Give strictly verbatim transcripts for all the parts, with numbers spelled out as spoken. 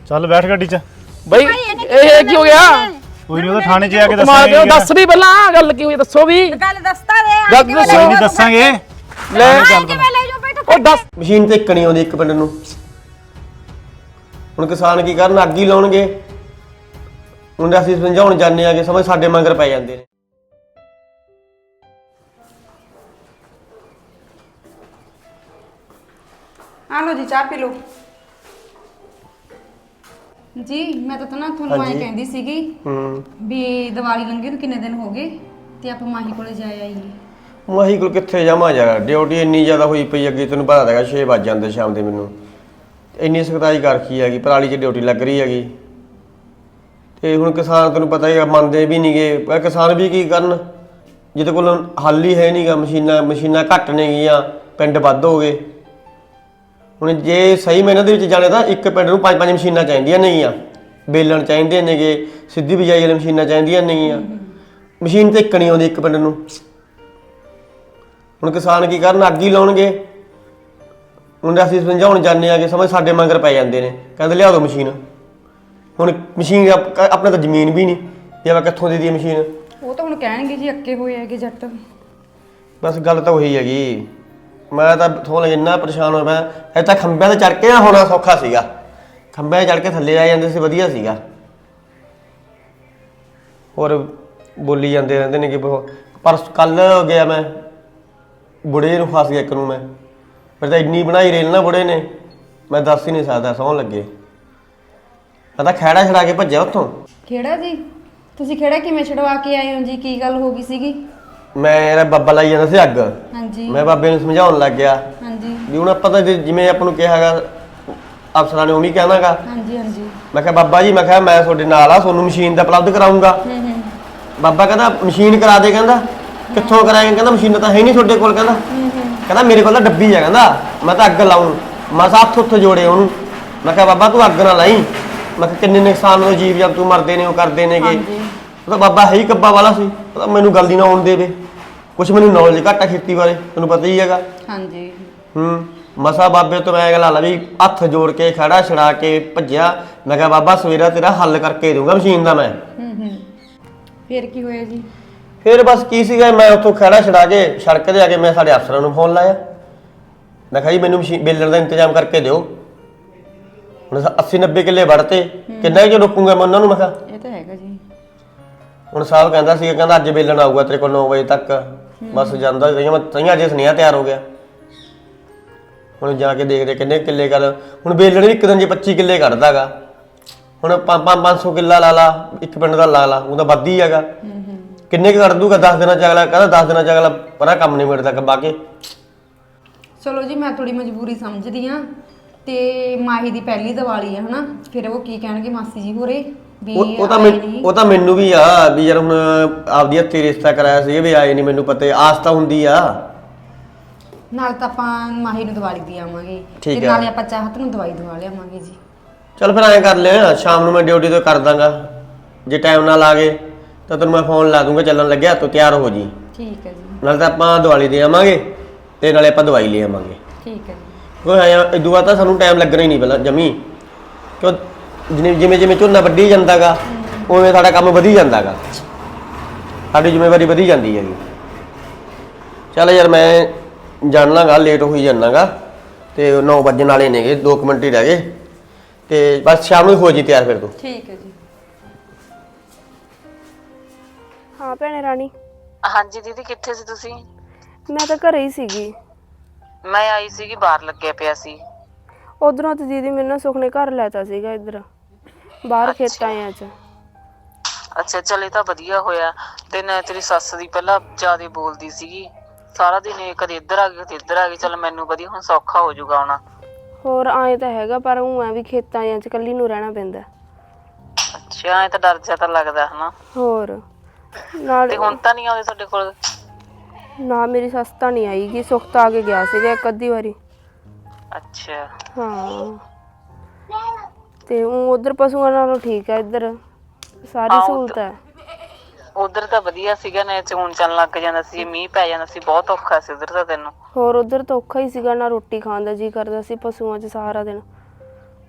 ਚੱਲ ਬੈਠ ਗੱਡੀ 'ਚ ਬਈ ਇਹ ਕੀ ਹੋ ਗਿਆ? ਕੋਈ ਨਹੀਂ, ਉਹਦਾ ਥਾਣੇ 'ਚ ਆ ਕੇ ਮਾਰ ਦਿਓ, ਦੱਸਾਂਗੇ। ਦੱਸ ਵੀ ਪਹਿਲਾਂ ਗੱਲ ਕੀ ਹੋਈ, ਦੱਸੋ ਵੀ। ਗੱਲ ਦੱਸਤਾ ਦੇ ਗੱਲ ਕਿਵੇਂ ਦੱਸੋ। ਕੋਈ ਲੈ ਨਹੀਂ ਜਾਊ ਦੱਸਾਂਗੇ। ਲੈ ਕਿਵੇਂ ਲੈ ਜਾਓ ਬਈ ਉਹ ਦੱਸ। ਮਸ਼ੀਨ ਤੇ ਇੱਕ ਨਹੀਂ ਆਉਂਦੀ ਇੱਕ ਪਿੰਡ ਨੂੰ। ਹੁਣ ਕਿਸਾਨ ਕੀ ਕਰਨ, ਅੱਗ ਹੀ ਲਾਉਣਗੇ। ਹੁਣ ਅਸੀਂ ਸਮਝਾਉਣ ਜਾਂਦੇ ਆ ਕਿ ਸਮਝ ਸਾਡੇ ਮਗਰ ਪੈ ਜਾਂਦੇ ਨੇ। ਆ ਲੋ ਜੀ ਚਾਹ ਪੀ ਲੋ ਜੀ। ਮੈਂ ਤਾਂ ਨਾ ਤੁਹਾਨੂੰ ਐਂ ਕਹਿੰਦੀ ਸੀਗੀ ਹੂੰ ਵੀ ਦੀਵਾਲੀ ਲੰਘੇ ਨੂੰ ਕਿੰਨੇ ਦਿਨ ਹੋ ਗਏ ਤੇ ਆਪਾਂ ਮਾਹੀ ਕੋਲੇ ਜਾ ਆਈਏ। ਮਾਹੀ ਕੋਲ ਕਿੱਥੇ ਜਾਵਾਂ ਯਾਰ, ਡਿਊਟੀ ਇੰਨੀ ਜ਼ਿਆਦਾ ਹੋਈ ਪਈ ਅੱਗੇ, ਤੈਨੂੰ ਪਤਾ ਹੈਗਾ ਛੇ ਵੱਜ ਜਾਂਦੇ ਸ਼ਾਮ ਦੇ ਮੈਨੂੰ। ਇੰਨੀ ਸਖਤਾਈ ਕਰ ਰੱਖੀ ਹੈਗੀ, ਪਰਾਲੀ 'ਚ ਡਿਊਟੀ ਲੱਗ ਰਹੀ ਹੈਗੀ। ਤੇ ਹੁਣ ਕਿਸਾਨ ਤੈਨੂੰ ਪਤਾ ਹੀ ਮੰਨਦੇ ਵੀ ਨਹੀਂਗੇ। ਪਰ ਕਿਸਾਨ ਵੀ ਕੀ ਕਰਨ, ਜਿਹਦੇ ਕੋਲ ਹੱਲ ਹੀ ਹੈ ਨਹੀਂਗਾ। ਮਸ਼ੀਨਾਂ ਮਸ਼ੀਨਾਂ ਘੱਟ ਨੇਗੀਆਂ, ਪਿੰਡ ਵੱਧ ਹੋ ਗਏ। ਹੁਣ ਜੇ ਸਹੀ ਮੈਨਾਂ ਦੇ ਵਿੱਚ ਜਾਣੇ ਤਾਂ ਇੱਕ ਪਿੰਡ ਨੂੰ ਪੰਜ ਪੰਜ ਮਸ਼ੀਨਾਂ ਚਾਹੀਦੀਆਂ ਨੇਗੀਆਂ। ਬੇਲਣ ਚਾਹੀਦੇ ਨੇਗੇ, ਸਿੱਧੀ ਬਿਜਾਈ ਵਾਲੀ ਮਸ਼ੀਨਾਂ ਚਾਹੀਦੀਆਂ ਨੇਗੀਆਂ। ਮਸ਼ੀਨ ਤੇ ਇੱਕ ਨਹੀਂ ਆਉਂਦੀ ਇੱਕ ਪਿੰਡ ਨੂੰ। ਹੁਣ ਕਿਸਾਨ ਕੀ ਕਰਨ, ਅੱਗ ਹੀ ਲਾਉਣਗੇ। ਹੁਣ ਅਸੀਂ ਸਮਝਾਉਣ ਜਾਂਦੇ ਆ ਕਿ ਸਮਝ ਸਾਡੇ ਮਗਰ ਪੈ ਜਾਂਦੇ ਨੇ, ਕਹਿੰਦੇ ਲਿਆ ਦਿਓ ਮਸ਼ੀਨ। ਹੁਣ ਮਸ਼ੀਨ ਆਪਣੇ ਤਾਂ ਜ਼ਮੀਨ ਵੀ ਨਹੀਂ, ਜੇ ਆਪਾਂ ਕਿੱਥੋਂ ਦੇ ਦਈਏ ਮਸ਼ੀਨ। ਉਹ ਤਾਂ ਹੁਣ ਕਹਿਣਗੇ ਜੀ ਅੱਕੇ ਹੋਏ ਹੈਗੇ ਜੱਟ। ਬਸ ਗੱਲ ਤਾਂ ਉਹੀ ਹੈਗੀ। ਮੈਂ ਤਾਂ ਥੋੜਾ ਇੰਨਾ ਪਰੇਸ਼ਾਨ ਹੋ ਪਿਆ। ਇਹ ਤਾਂ ਖੰਭਿਆਂ ਤੇ ਚੜ ਕੇ ਨਾ ਹੋਣਾ ਸੌਖਾ ਸੀਗਾ, ਖੰਭਿਆਂ 'ਤੇ ਚੜ ਕੇ ਥੱਲੇ ਆ ਜਾਂਦੇ ਸੀ, ਵਧੀਆ ਸੀਗਾ। ਹੋਰ ਬੋਲੀ ਜਾਂਦੇ ਰਹਿੰਦੇ ਨੇ ਕਿ ਪਰ ਕੱਲ ਗਿਆ ਮੈਂ ਬੁੜੇ ਨੂੰ ਫਸ ਗਿਆ ਇੱਕ ਨੂੰ। ਮੈਂ ਫਿਰ ਤਾਂ ਇੰਨੀ ਬਣਾਈ ਰੇਲ ਨਾ ਬੁੜੇ ਨੇ, ਮੈਂ ਦੱਸ ਹੀ ਨਹੀਂ ਸਕਦਾ, ਸੌਣ ਲੱਗੇ। ਮੈਂ ਤਾਂ ਖਹਿੜਾ ਛੜਾ ਕੇ ਭੱਜਿਆ ਉੱਥੋਂ। ਖੇੜਾ ਜੀ? ਤੁਸੀਂ ਖੇੜਾ ਕਿਵੇਂ ਛਡਵਾ ਕੇ ਆਏ ਹੋ ਜੀ? ਕੀ ਗੱਲ ਹੋ ਗਈ ਸੀਗੀ? ਮੇਰਾ ਬਾਬਾ ਲਾਈ ਜਾਂਦਾ ਸੀ ਅੱਗ। ਹਾਂਜੀ ਮੈਂ ਬਾਬੇ ਨੂੰ ਸਮਝਾਉਣ ਲੱਗ ਗਿਆ ਹਾਂਜੀ ਵੀ ਹੁਣ ਆਪਾਂ ਤਾਂ ਜਿਵੇਂ ਆਪਾਂ ਨੂੰ ਕਿਹਾ ਹੈਗਾ ਅਫਸਰਾਂ ਨੇ ਉਵੇਂ ਕਹਿਣਾਗਾ। ਹਾਂਜੀ ਹਾਂਜੀ ਮੈਂ ਕਿਹਾ ਬਾਬਾ ਜੀ, ਮੈਂ ਕਿਹਾ ਮੈਂ ਤੁਹਾਡੇ ਨਾਲ ਆ, ਤੁਹਾਨੂੰ ਮਸ਼ੀਨ ਦਾ ਉਪਲਬਧ ਕਰਾਉਂਗਾ। ਹੂੰ ਹੂੰ ਬਾਬਾ ਕਹਿੰਦਾ ਮਸ਼ੀਨ ਕਰਾ ਦੇ। ਕਹਿੰਦਾ ਕਿੱਥੋਂ ਕਰਾਏਗਾ? ਕਹਿੰਦਾ ਮਸ਼ੀਨ ਤਾਂ ਹੈ ਨਹੀਂ ਤੁਹਾਡੇ ਕੋਲ। ਕਹਿੰਦਾ ਹੂੰ ਹੂੰ ਕਹਿੰਦਾ ਮੇਰੇ ਕੋਲ ਤਾਂ ਡੱਬੀ ਆ। ਕਹਿੰਦਾ ਮੈਂ ਤਾਂ ਅੱਗ ਲਾਉਂ। ਮੈਂ ਹੱਥ ਉੱਥੇ ਜੋੜੇ ਉਹਨੂੰ। ਮੈਂ ਕਿਹਾ ਬਾਬਾ ਤੂੰ ਅੱਗ ਨਾ ਲਾਈ। ਮੈਂ ਕਿਹਾ ਕਿੰਨੇ ਨੁਕਸਾਨ ਹੋ ਜੀਵ ਜੰਤੂ ਮਰਦੇ ਨੇ, ਉਹ ਕਰਦੇ ਨੇਗੇ। ਹਾਂਜੀ ਉਹ ਤਾਂ ਬਾਬਾ ਹੈ ਹੀ ਕੱਬਾ ਵਾਲਾ ਸੀ। ਉਹ ਤਾਂ ਮੈਨੂੰ ਗੱਲ ਦੀ ਨਾ ਆਉਣ ਦੇਵੇ। ਕੁਛ ਮੈਨੂੰ ਨੌਲੇਜ ਘੱਟ ਆ ਖੇਤੀ ਬਾਰੇ, ਤੈਨੂੰ ਪਤਾ ਹੀ ਹੈਗਾ। ਹਾਂਜੀ ਹੂੰ ਮਸਾ ਬਾਬੇ ਤੋਂ ਮੈਂ ਗੱਲ ਲਾ ਵੀ ਹੱਥ ਜੋੜ ਕੇ ਖੜਾ ਛੜਾ ਕੇ ਭੱਜਿਆ। ਮੈਂ ਕਿਹਾ ਬਾਬਾ ਸਵੇਰਾ ਤੇਰਾ ਹੱਲ ਕਰਕੇ ਦਊਂਗਾ ਮਸ਼ੀਨ ਦਾ ਮੈਂ। ਹੂੰ ਹੂੰ ਫਿਰ ਕੀ ਹੋਇਆ ਜੀ? ਫਿਰ ਬਸ ਕੀ ਸੀਗਾ, ਮੈਂ ਉੱਥੋਂ ਖੜਾ ਛੜਾ ਕੇ ਸੜਕ ਤੇ ਆ ਕੇ ਮੈਂ ਸਾਡੇ ਅਫਸਰਾਂ ਨੂੰ ਫੋਨ ਲਾਇਆ। ਮੈਂ ਕਿਹਾ ਜੀ ਮੈਨੂੰ ਮਸ਼ੀਨ ਬੇਲਣ ਦਾ ਇੰਤਜ਼ਾਮ ਕਰਕੇ ਦਿਓ। ਹੁਣ ਅੱਸੀ ਨੱਬੇ ਕਿੱਲੇ ਵੜਤੇ, ਕਿੰਨਾ ਕੁ ਰੋਕੂਗਾ ਮੈਂ ਉਹਨਾਂ ਨੂੰ। ਮੈਂ ਕਿਹਾ ਇਹ ਤਾਂ ਹੈਗਾ ਜੀ। ਹੁਣ ਸਾਹਿਬ ਕਹਿੰਦਾ ਸੀ, ਕਹਿੰਦਾ ਅੱਜ ਬੇਲਣ ਆਊਗਾ ਤੇਰੇ ਕੋਲ ਨੌ ਵਜੇ ਤੱਕ। ਬਸ ਜਾਂਦਾ ਸੀ, ਮੈਂ ਤਈਆਂ ਅੱਜ ਸੁਨੇਹਾ ਤਿਆਰ ਹੋ ਗਿਆ। ਹੁਣ ਜਾ ਕੇ ਦੇਖਦੇ ਕਿੰਨੇ ਕਿੱਲੇ ਕਰ। ਹੁਣ ਬੇਲਣ ਵੀ ਇੱਕ ਦਿਨ ਜੇ ਪੱਚੀ ਕਿੱਲੇ ਕੱਢਦਾ ਗਾ। ਹੁਣ ਪੰਜ ਪੰਜ ਸੌ ਕਿੱਲਾ ਲਾ ਲਾ, ਇੱਕ ਪਿੰਡ ਦਾ ਲਾ ਲਾ, ਉਹ ਤਾਂ ਵੱਧ ਹੀ ਹੈਗਾ। ਕਿੰਨੇ ਕੁ ਕੱਢ ਦੂਗਾ? ਦਸ ਦਿਨਾਂ ਚ ਅਗਲਾ ਕਹਿੰਦਾ ਦਸ ਦਿਨਾਂ ਚ ਅਗਲਾ ਪਰਾਂ ਕੰਮ ਨਹੀਂ ਮਿਲਦਾ ਕੱਬਾ ਕੇ। ਚਲੋ ਜੀ, ਮੈਂ ਥੋੜੀ ਮਜਬੂਰੀ ਸਮਝਦੀ ਆ। ਤੇ ਮਾਹੀ ਦੀ ਪਹਿਲੀ ਦੀਵਾਲੀ ਆ ਹਨਾ, ਫਿਰ ਉਹ ਕੀ ਕਹਿਣਗੇ ਮਾਸੀ ਜੀ ਹੋਰੇ ਵੀ ਉਹ ਉਹ ਤਾਂ ਆਏ ਮੈਨੂੰ ਨਹੀਂ। ਉਹ ਤਾਂ ਮੈਨੂੰ ਵੀ ਆ ਵੀ ਯਾਰ ਹੁਣ ਆਪਦੀ ਹੱਥੀ ਰਿਸ਼ਤਾ ਕਰਾਇਆ ਸੀ ਵੀ ਆਏ ਨਹੀਂ, ਮੈਨੂੰ ਪਤਾ ਆਸ ਤਾਂ ਹੁੰਦੀ ਆ। ਨਾਲ ਤਾਂ ਆਪਾਂ ਮਾਹੀ ਨੂੰ ਦੀਵਾਲੀ ਦੀ ਆਵਾਂਗੇ ਠੀਕ ਤੇ ਆ। ਨਾਲੇ ਆਪਾਂ ਚਾਹਤ ਨੂੰ ਦਵਾਈ ਦਵਾ ਲਿਆਵਾਂਗੇ ਜੀ। ਚੱਲ ਫਿਰ ਐਂ ਕਰ ਲਿਆ, ਸ਼ਾਮ ਨੂੰ ਮੈਂ ਡਿਊਟੀ ਤੋਂ ਕਰ ਦਾਂਗਾ। ਜੇ ਟਾਈਮ ਨਾਲ ਆ ਗਏ ਤਾਂ ਤੈਨੂੰ ਮੈਂ ਫੋਨ ਲਾ ਦੂੰਗਾ, ਚੱਲਣ ਲੱਗਿਆ ਤੂੰ ਤਿਆਰ ਹੋ ਜੀ। ਠੀਕ ਹੈ ਜੀ। ਨਾਲੇ ਤਾਂ ਆਪਾਂ ਦੀਵਾਲੀ ਦੇ ਆਵਾਂਗੇ ਤੇ ਨਾਲੇ ਆਪਾਂ ਦਵਾਈ ਲੈ ਆਵਾਂਗੇ। ਠੀਕ ਹੈ ਜੀ। ਕੋਈ ਆਇਆ ਇਦੋਂ ਬਾਅਦ ਤਾਂ ਸਾਨੂੰ ਟਾਈਮ ਲੱਗਣਾ ਹੀ ਨਹੀਂ ਪਹਿਲਾਂ ਜਮੀ, ਕਿਉਂ ਜਿਵੇਂ ਜਿਵੇਂ ਜਿਵੇਂ ਝੋਨਾ ਵੱਢੀ ਜਾਂਦਾਗਾ ਉਵੇਂ ਸਾਡਾ ਕੰਮ ਵਧੀ ਜਾਂਦਾਗਾ, ਸਾਡੀ ਜ਼ਿੰਮੇਵਾਰੀ ਵਧੀ ਜਾਂਦੀ ਹੈਗੀ। ਚੱਲ ਯਾਰ ਮੈਂ ਜਾਣਾਗਾ, ਲੇਟ ਹੋਈ ਜਾਣਾਗਾ ਤੇ ਨੌ ਵਜੇ ਵਾਲੇ ਨੇਗੇ, ਦੋ ਕੁ ਮਿੰਟ ਹੀ ਰਹਿ ਗਏ ਤੇ ਬਸ ਸ਼ਾਮ ਨੂੰ ਹੋ ਜੀ ਤਿਆਰ ਫਿਰ ਤੂੰ। ਠੀਕ ਹੈ ਜੀ। ਹਾਂ ਭੈਣੇ ਰਾਣੀ। ਹਾਂਜੀ ਦੀਦੀ, ਕਿੱਥੇ ਸੀ ਤੁਸੀਂ? ਮੈਂ ਤਾਂ ਘਰੇ ਹੀ ਸੀਗੀ। ਮੈਂ ਆਈ ਸੀਗੀ, ਬਾਹਰ ਲੱਗਿਆ ਪਿਆ ਸੀ। ਉਧਰੋਂ ਤੇ ਦੀਦੀ ਮੈਨੂੰ ਸੁਖ ਨੇ ਘਰ ਲੈਤਾ ਸੀਗਾ ਇੱਧਰ ਬਾਹਰ ਖੇਤਾਂ ਚ। ਅੱਛਾ ਚੱਲ, ਇਹ ਤਾਂ ਵਧੀਆ ਹੋਇਆ। ਤੇ ਨਾ ਤੇਰੀ ਸੱਸ ਦੀ ਪਹਿਲਾਂ ਜ਼ਿਆਦਾ ਬੋਲਦੀ ਸੀਗੀ, ਸਾਰਾ ਦਿਨ ਇਹ ਕਦੇ ਇੱਧਰ ਆ ਗਈ ਕਦੇ ਇੱਧਰ ਆ ਗਈ। ਚੱਲ ਮੈਨੂੰ ਵਧੀਆ, ਹੁਣ ਸੌਖਾ ਹੋ ਜਾਊਗਾ ਆਉਣਾ। ਹੋਰ ਆਏ ਤਾਂ ਹੈਗਾ, ਪਰ ਉਹ ਐ ਵੀ ਖੇਤਾਂ ਚ ਇਕੱਲੀ ਨੂੰ ਰਹਿਣਾ ਪੈਂਦਾ। ਅੱਛਾ, ਐ ਤਾਂ ਡਰ ਜਾ ਤਾਂ ਲੱਗਦਾ ਹਨਾ। ਹੋਰ ਨਾਲ ਤੇ ਹੁਣ ਤਾਂ ਨਹੀਂ ਆਉਂਦੇ ਤੁਹਾਡੇ ਕੋਲ? ਨਾ ਮੇਰੀ ਸੱਸ ਤਾਂ ਨਹੀਂ ਆਈਗੀ, ਸੁੱਖ ਤਾਂ ਆ ਕੇ ਗਿਆ ਸੀਗਾ ਇੱਕ ਅੱਧੀ ਵਾਰੀ। ਅੱਛਾ ਹਾਂ ਤੇ ਉਹ ਉਧਰ ਪਸ਼ੂਆਂ ਨਾਲੋਂ ਠੀਕ ਹੈ, ਇੱਧਰ ਸਾਰੀ ਹਾਂ, ਸਹੂਲਤ ਹੈ। ਉਧਰ ਤਾਂ ਵਧੀਆ ਸੀਗਾ ਨਾ, ਚੂਣ ਚੱਲਣ ਲੱਗ ਜਾਂਦਾ ਸੀ, ਮੀਂਹ ਪੈ ਜਾਂਦਾ ਸੀ, ਬਹੁਤ ਔਖਾ ਸੀ ਉਧਰ ਤਾਂ ਤੈਨੂੰ। ਹੋਰ ਉਧਰ ਤਾਂ ਔਖਾ ਹੀ ਸੀਗਾ, ਨਾ ਰੋਟੀ ਖਾਣ ਦਾ ਜੀ ਕਰਦਾ ਸੀ ਪਸ਼ੂਆਂ 'ਚ ਸਾਰਾ ਦਿਨ।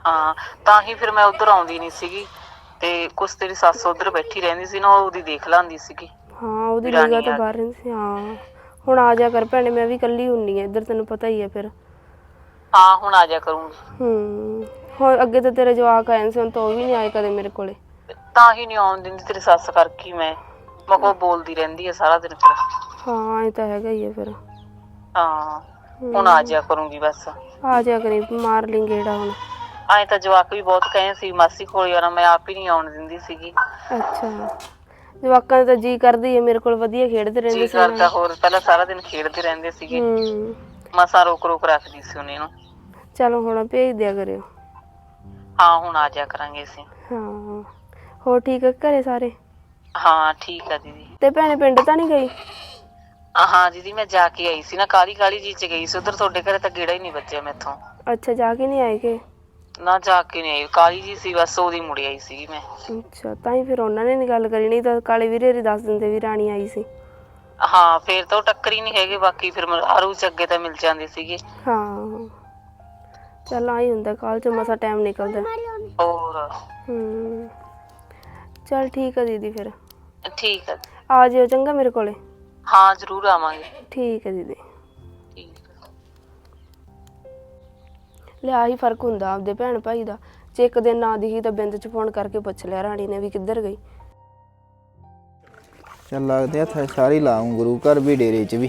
ਹਾਂ ਤਾਂ ਹੀ ਫਿਰ ਮੈਂ ਉਧਰ ਆਉਂਦੀ ਨਹੀਂ ਸੀਗੀ ਤੇ ਕੁਛ ਤੇਰੀ ਸੱਸ ਉਧਰ ਬੈਠੀ ਰਹਿੰਦੀ ਸੀ ਨਾ, ਉਹਦੀ ਦੇਖ ਲਾਂਦੀ ਸੀਗੀ। ਹਾਂ ਉਹਦੀ ਨਿਗਾਹ ਤੋਂ ਬਾਹਰ ਰਹਿੰਦੀ ਸੀ। ਹਾਂ ਹੁਣ ਆ ਜਾ ਕਰ ਭੈਣੇ, ਮੈਂ ਵੀ ਇਕੱਲੀ ਹੁੰਨੀ ਆ ਇੱਧਰ, ਤੈਨੂੰ ਪਤਾ ਹੀ ਆ ਫਿਰ। ਹਾਂ ਹੁਣ ਆ ਜਾ ਕਰੂੰਗੀ। ਹੂੰ ਹੁਣ ਅੱਗੇ ਤਾਂ ਤੇਰੇ ਜਵਾਕ ਆਏ ਸੀ, ਹੁਣ ਤਾਂ ਉਹ ਵੀ ਨਹੀਂ ਆਏ ਕਦੇ ਮੇਰੇ ਕੋਲੇ। ਤਾਂ ਹੀ ਨਹੀਂ ਆਉਣ ਦਿੰਦੀ ਤੇਰੀ ਸੱਸ ਕਰਕੇ ਮੈਂ ਮੈਂ ਕੋ ਬੋਲਦੀ ਰਹਿੰਦੀ ਆ ਸਾਰਾ ਦਿਨ ਫਿਰ। ਹਾਂ ਇਹ ਤਾਂ ਹੈਗਾ ਹੀ ਆ ਫਿਰ। ਹਾਂ ਹੁਣ ਆ ਜਾ ਕਰੂੰਗੀ ਬਸ। ਆ ਜਾ ਕਰੀ, ਮਾਰ ਲਈ ਗੇੜਾ ਹੁਣ। ਐਂ ਤਾਂ ਜਵਾਕ ਵੀ ਬਹੁਤ ਕਹੇ ਸੀ ਮਾਸੀ ਕੋਲ ਜਾਣਾ, ਮੈਂ ਆਪ ਹੀ ਨਹੀਂ ਆਉਣ ਦਿੰਦੀ ਸੀਗੀ। ਅੱਛਾ ਜਵਾਕਾਂ ਦਾ ਤਾਂ ਜੀ ਕਰਦੀ ਹੈ ਮੇਰੇ ਕੋਲ, ਵਧੀਆ ਖੇਡਦੇ ਰਹਿੰਦੇ ਜੀ ਕਰਦਾ, ਹੋਰ ਪਹਿਲਾਂ ਸਾਰਾ ਦਿਨ ਖੇਡਦੇ ਰਹਿੰਦੇ ਸੀਗੇ। ਹੂੰ ਮਸਾਂ ਰੋਕ ਰੋਕ ਰੱਖਦੀ ਸੀ ਉਹਨੇ ਨੂੰ। ਚਲੋ ਹੁਣ ਭੇਜ ਦਿਆ ਕਰਿਓ। ਹਾਂ ਹੁਣ ਆ ਜਾ ਕਰਾਂਗੇ ਅਸੀਂ। ਹਾਂ ਹੋਰ ਠੀਕ ਹੈ ਘਰੇ ਸਾਰੇ? ਹਾਂ ਠੀਕ ਆ ਦੀਦੀ। ਤੇ ਭੈਣੇ ਪਿੰਡ ਤਾਂ ਨਹੀਂ ਗਈ? ਹਾਂ ਦੀਦੀ ਮੈਂ ਜਾ ਕੇ ਆਈ ਸੀ ਨਾ, ਕਾਲੀ ਕਾਲੀ ਜੀ ਚ ਗਈ ਸੀ ਉਧਰ, ਤੁਹਾਡੇ ਘਰੇ ਤਾਂ ਗੇੜਾ ਹੀ ਨਹੀਂ ਵੱਜਿਆ ਮੈਥੋਂ। ਅੱਛਾ ਜਾ ਕੇ ਨਹੀਂ ਆਏ ਕਿ? ਨਾ ਜਾ ਕੇ ਨਹੀਂ ਆਈ, ਕਾਲੀ ਜੀ ਸੀ ਬਸ, ਉਹਦੀ ਮੁੜ ਆਈ ਸੀਗੀ ਮੈਂ। ਅੱਛਾ ਤਾਂ ਹੀ ਫਿਰ ਉਹਨਾਂ ਨੇ ਨੀ ਗੱਲ ਕਰੀ, ਨਹੀਂ ਤਾਂ ਕਾਲੇ ਵੀਰੇ ਰੀ ਦੱਸ ਦਿੰਦੇ ਵੀ ਰਾਣੀ ਆਈ ਸੀ। ਹਾਂ ਫੇਰ ਤਾਂ ਉਹ ਟੱਕਰ ਹੀ ਨਹੀਂ ਹੈਗੇ, ਬਾਕੀ ਫਿਰ ਆਰੂ ਚ ਅੱਗੇ ਤਾਂ ਮਿਲ ਜਾਂਦੇ ਸੀਗੇ। ਹਾਂ ਚੱਲ ਆਈ ਹੁੰਦਾ, ਕਾਲ ਚ ਮਸਾ ਟਾਈਮ ਨਿਕਲਦਾ। ਹੋਰ ਹੂੰ ਚੱਲ ਠੀਕ ਆ ਦੀਦੀ ਫਿਰ। ਠੀਕ ਆ। ਆ ਜਿਓ ਚੰਗਾ ਮੇਰੇ ਕੋਲੇ। ਹਾਂ ਜ਼ਰੂਰ ਆਵਾਂਗੇ। ਠੀਕ ਹੈ ਦੀਦੀ। ਠੀਕ ਆ। ਲਿਆ ਹੀ ਫਰਕ ਹੁੰਦਾ ਆਪਦੇ ਭੈਣ ਭਾਈ ਦਾ, ਜੇ ਇੱਕ ਦਿਨ ਨਾ ਦਿਖੀ ਤਾਂ ਬਿੰਦ ਚ ਫੋਨ ਕਰਕੇ ਪੁੱਛ ਲਿਆ ਰਾਣੀ ਨੇ ਵੀ ਕਿੱਧਰ ਗਈ। ਚੱਲ ਲੱਗਦੇ ਆ ਥਾ ਸਾਰੀ ਲਾਉਂ ਗੁਰੂ ਘਰ ਵੀ ਡੇਰੇ ਚ ਵੀ।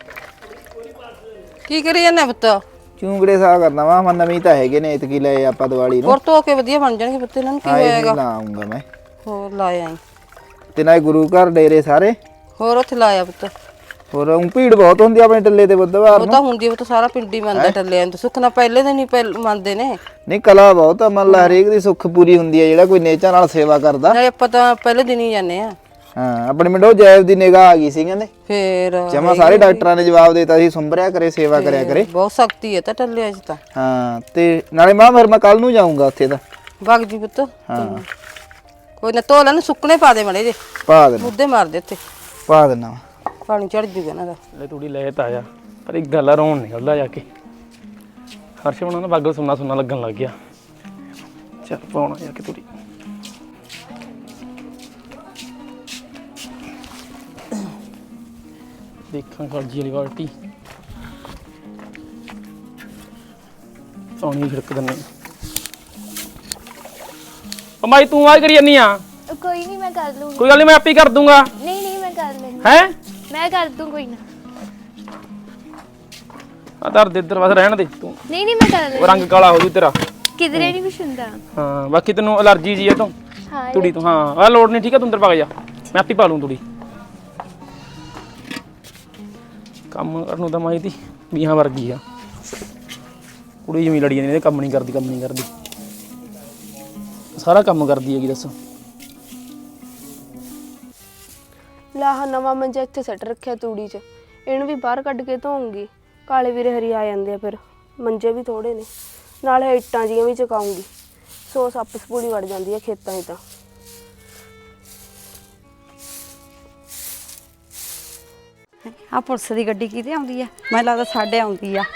ਕੀ ਕਰੀ ਜਾਂਦਾ ਪੁੱਤ? ਚੂੰਗੜੇ ਸਾਹ ਕਰਨਾ ਵਾ, ਮੈਂ ਨਵੀਂ ਤਾਂ ਹੈਗੇ ਨੇ ਇਤਕੀ ਲਏ ਆਪਾਂ ਦੀਵਾਲੀ ਨੂੰ। ਹੋਰ ਧੋ ਕੇ ਵਧੀਆ ਬਣ ਜਾਣਗੇ ਪੁੱਤ, ਇਹਨਾਂ ਨੂੰ ਕੀ ਹੋਏਗਾ? ਲਾਉਂਗਾ ਮੈਂ। ਹੋਰ ਲਾਇਆ ਆਈ ਤੇ ਨਾ ਗੁਰੂ ਘਰ ਡੇਰੇ ਸਾਰੇ। ਹੋਰ ਉੱਥੇ ਲਾਇਆ ਪੁੱਤ। ਹੋਰ ਊਂ ਭੀੜ ਬਹੁਤ ਹੁੰਦੀ ਆ ਆਪਣੇ ਟੱਲੇ ਤੇ ਬੁੱਧਵਾਰ ਉਹ ਨੂੰ। ਤਾਂ ਹੁੰਦੀ, ਉਹ ਤਾਂ ਸਾਰਾ ਪਿੰਡ ਹੀ ਮੰਨਦਾ ਟੱਲਿਆਂ ਨੂੰ, ਸੁੱਖ ਨਾਲ ਪਹਿਲੇ ਦਿਨ ਹੀ ਮੰਨਦੇ ਨੇ। ਨਹੀਂ ਕਲਾ ਬਹੁਤ ਆ, ਮੰਨ ਲਾ ਹਰੇਕ ਦੀ ਸੁੱਖ ਪੂਰੀ ਹੁੰਦੀ ਆ ਜਿਹੜਾ ਕੋਈ ਨੇਚਾ ਨਾਲ ਸੇਵਾ ਕਰਦਾ। ਨਾਲੇ ਆਪਾਂ ਤਾਂ ਪਹਿਲੇ ਦਿਨ ਹੀ ਜਾਂਦੇ ਆ। ਹਾਂ ਆਪਣੇ ਮਿੰਡੋ ਜੈਬ ਦੀ ਨਿਗਾਹ ਆ ਗਈ ਸੀ ਕਹਿੰਦੇ। ਫੇਰ ਜਮਾ ਸਾਰੇ ਡਾਕਟਰਾਂ ਨੇ ਜਵਾਬ ਦੇਤਾ ਸੀ, ਸੁੰਭਰਿਆ ਕਰੇ ਸੇਵਾ ਕਰਿਆ ਕਰੇ। ਬਹੁਤ ਸ਼ਕਤੀ ਹੈ ਤਾਂ ਟੱਲਿਆਂ 'ਚ ਤਾਂ। ਹਾਂ ਤੇ ਨਾਲੇ ਮਾਂ ਫਿਰ ਮੈਂ ਕੱਲ ਨੂੰ ਜਾਊਂਗਾ ਉੱਥੇ ਤਾਂ। ਵਗ ਜੀ ਪੁੱਤ। ਹਾਂ ਕੋਈ ਨਾ ਧੋ ਲੈਣ, ਸੁੱਕਣੇ ਪਾ ਦੇ ਮੜੇ ਜੇ, ਪਾ ਦੇਣਾ ਮੁੱਦੇ ਮਾਰ ਦੇ ਉੱਤੇ, ਪਾ ਦੇਣਾ ਪਾਣੀ ਚੜ ਜੂਗਾ ਇਹਨਾਂ ਦਾ। ਲੈ ਤੂੜੀ ਲੈ ਤਾਂ ਆਇਆ, ਪਰ ਇੱਕ ਗੱਲ ਆ, ਰੋਣ ਨਿਕਲਦਾ ਜਾ ਕੇ। ਹਰਸ਼ ਉਹਨਾਂ ਦਾ ਬਾਗਲ ਸੁਣਨਾ ਸੁਣਨਾ ਲੱਗਣ ਲੱਗ ਗਿਆ। ਚੱਲ ਪਾਉਣਾ ਜਾ ਕੇ ਤੂੜੀ। ਦੇਖਾਂ ਸਬਜ਼ੀ ਵਾਲੀ ਬਾਲਟੀ, ਪਾਣੀ ਛਿੜਕ ਦਿੰਦੇ। ਉਹ ਮਾਈ ਤੂੰ ਆ ਕਰੀ ਜਾਨੀ ਆ? ਕੋਈ ਨਹੀਂ ਮੈਂ ਕਰ ਲੂੰਗੀ। ਕੋਈ ਗੱਲ ਨਹੀਂ, ਮੈਂ ਆਪੇ ਕਰ ਦੂੰਗਾ। ਨਹੀਂ ਨਹੀਂ ਮੈਂ ਕਰ ਲੈਂਦੀ, ਹੈ ਮੈਂ ਕਰ ਦੂੰ ਕੋਈ ਨਾ। ਆ ਦਰ ਦੇ ਇੱਧਰ ਬਸ ਰਹਿਣ ਦੇ ਤੂੰ, ਨਹੀਂ ਨਹੀਂ ਮੈਂ ਕਰ ਉਹ ਲੈਂਦੀ, ਰੰਗ ਕਾਲਾ ਹੋ ਜੂ ਤੇਰਾ। ਕਿਧਰੇ ਨਹੀਂ ਕੁਛ ਹੁੰਦਾ। ਹਾਂ ਬਾਕੀ ਤੈਨੂੰ ਅਲਰਜੀ ਜੀ ਹੈ ਤੋਂ ਹਾਂ ਤੂੜੀ ਤੋਂ। ਹਾਂ ਆ ਲੋੜ ਨਹੀਂ, ਠੀਕ ਹੈ, ਤੂੰ ਅੰਦਰ ਪਾ ਜਾ, ਮੈਂ ਆਪੇ ਪਾ ਲੂੰ ਤੂੜੀ। ਕੰਮ ਕਰਨ ਨੂੰ ਤਾਂ ਮਾਈ ਦੀ ਵੀਹਾਂ ਵਰਗੀ ਆ, ਕੁੜੀ ਜਿਵੇਂ ਲੜੀ ਜਾਂਦੀ, ਕੰਮ ਨਹੀਂ ਕਰਦੀ ਕੰਮ ਨਹੀਂ ਕਰਦੀ, ਸਾਰਾ ਕੰਮ ਕਰਦੀ ਹੈਗੀ। ਦੱਸ ਲਾਹ ਨਵਾਂ ਮੰਜਾ ਇੱਥੇ ਸੱਟ ਰੱਖਿਆ ਤੂੜੀ 'ਚ, ਇਹਨੂੰ ਵੀ ਬਾਹਰ ਕੱਢ ਕੇ ਧੋਉਂਗੀ। ਕਾਲੇ ਵੀਰੇ ਹਰੀ ਆ ਜਾਂਦੇ ਆ, ਫਿਰ ਮੰਜੇ ਵੀ ਥੋੜੇ ਨੇ, ਨਾਲੇ ਇੱਟਾਂ ਜੀਆਂ ਵੀ ਚੁਕਾਉਂਗੀ। ਸੋ ਸੱਪ ਸਪੂਲੀ ਵੜ ਜਾਂਦੀ ਆ ਖੇਤਾਂ 'ਚ ਤਾਂ। ਆ ਪੁਲਿਸ ਦੀ ਗੱਡੀ ਕਿਤੇ ਆਉਂਦੀ ਆ? ਮੈਨੂੰ ਲੱਗਦਾ ਸਾਡੇ ਆਉਂਦੀ ਆ।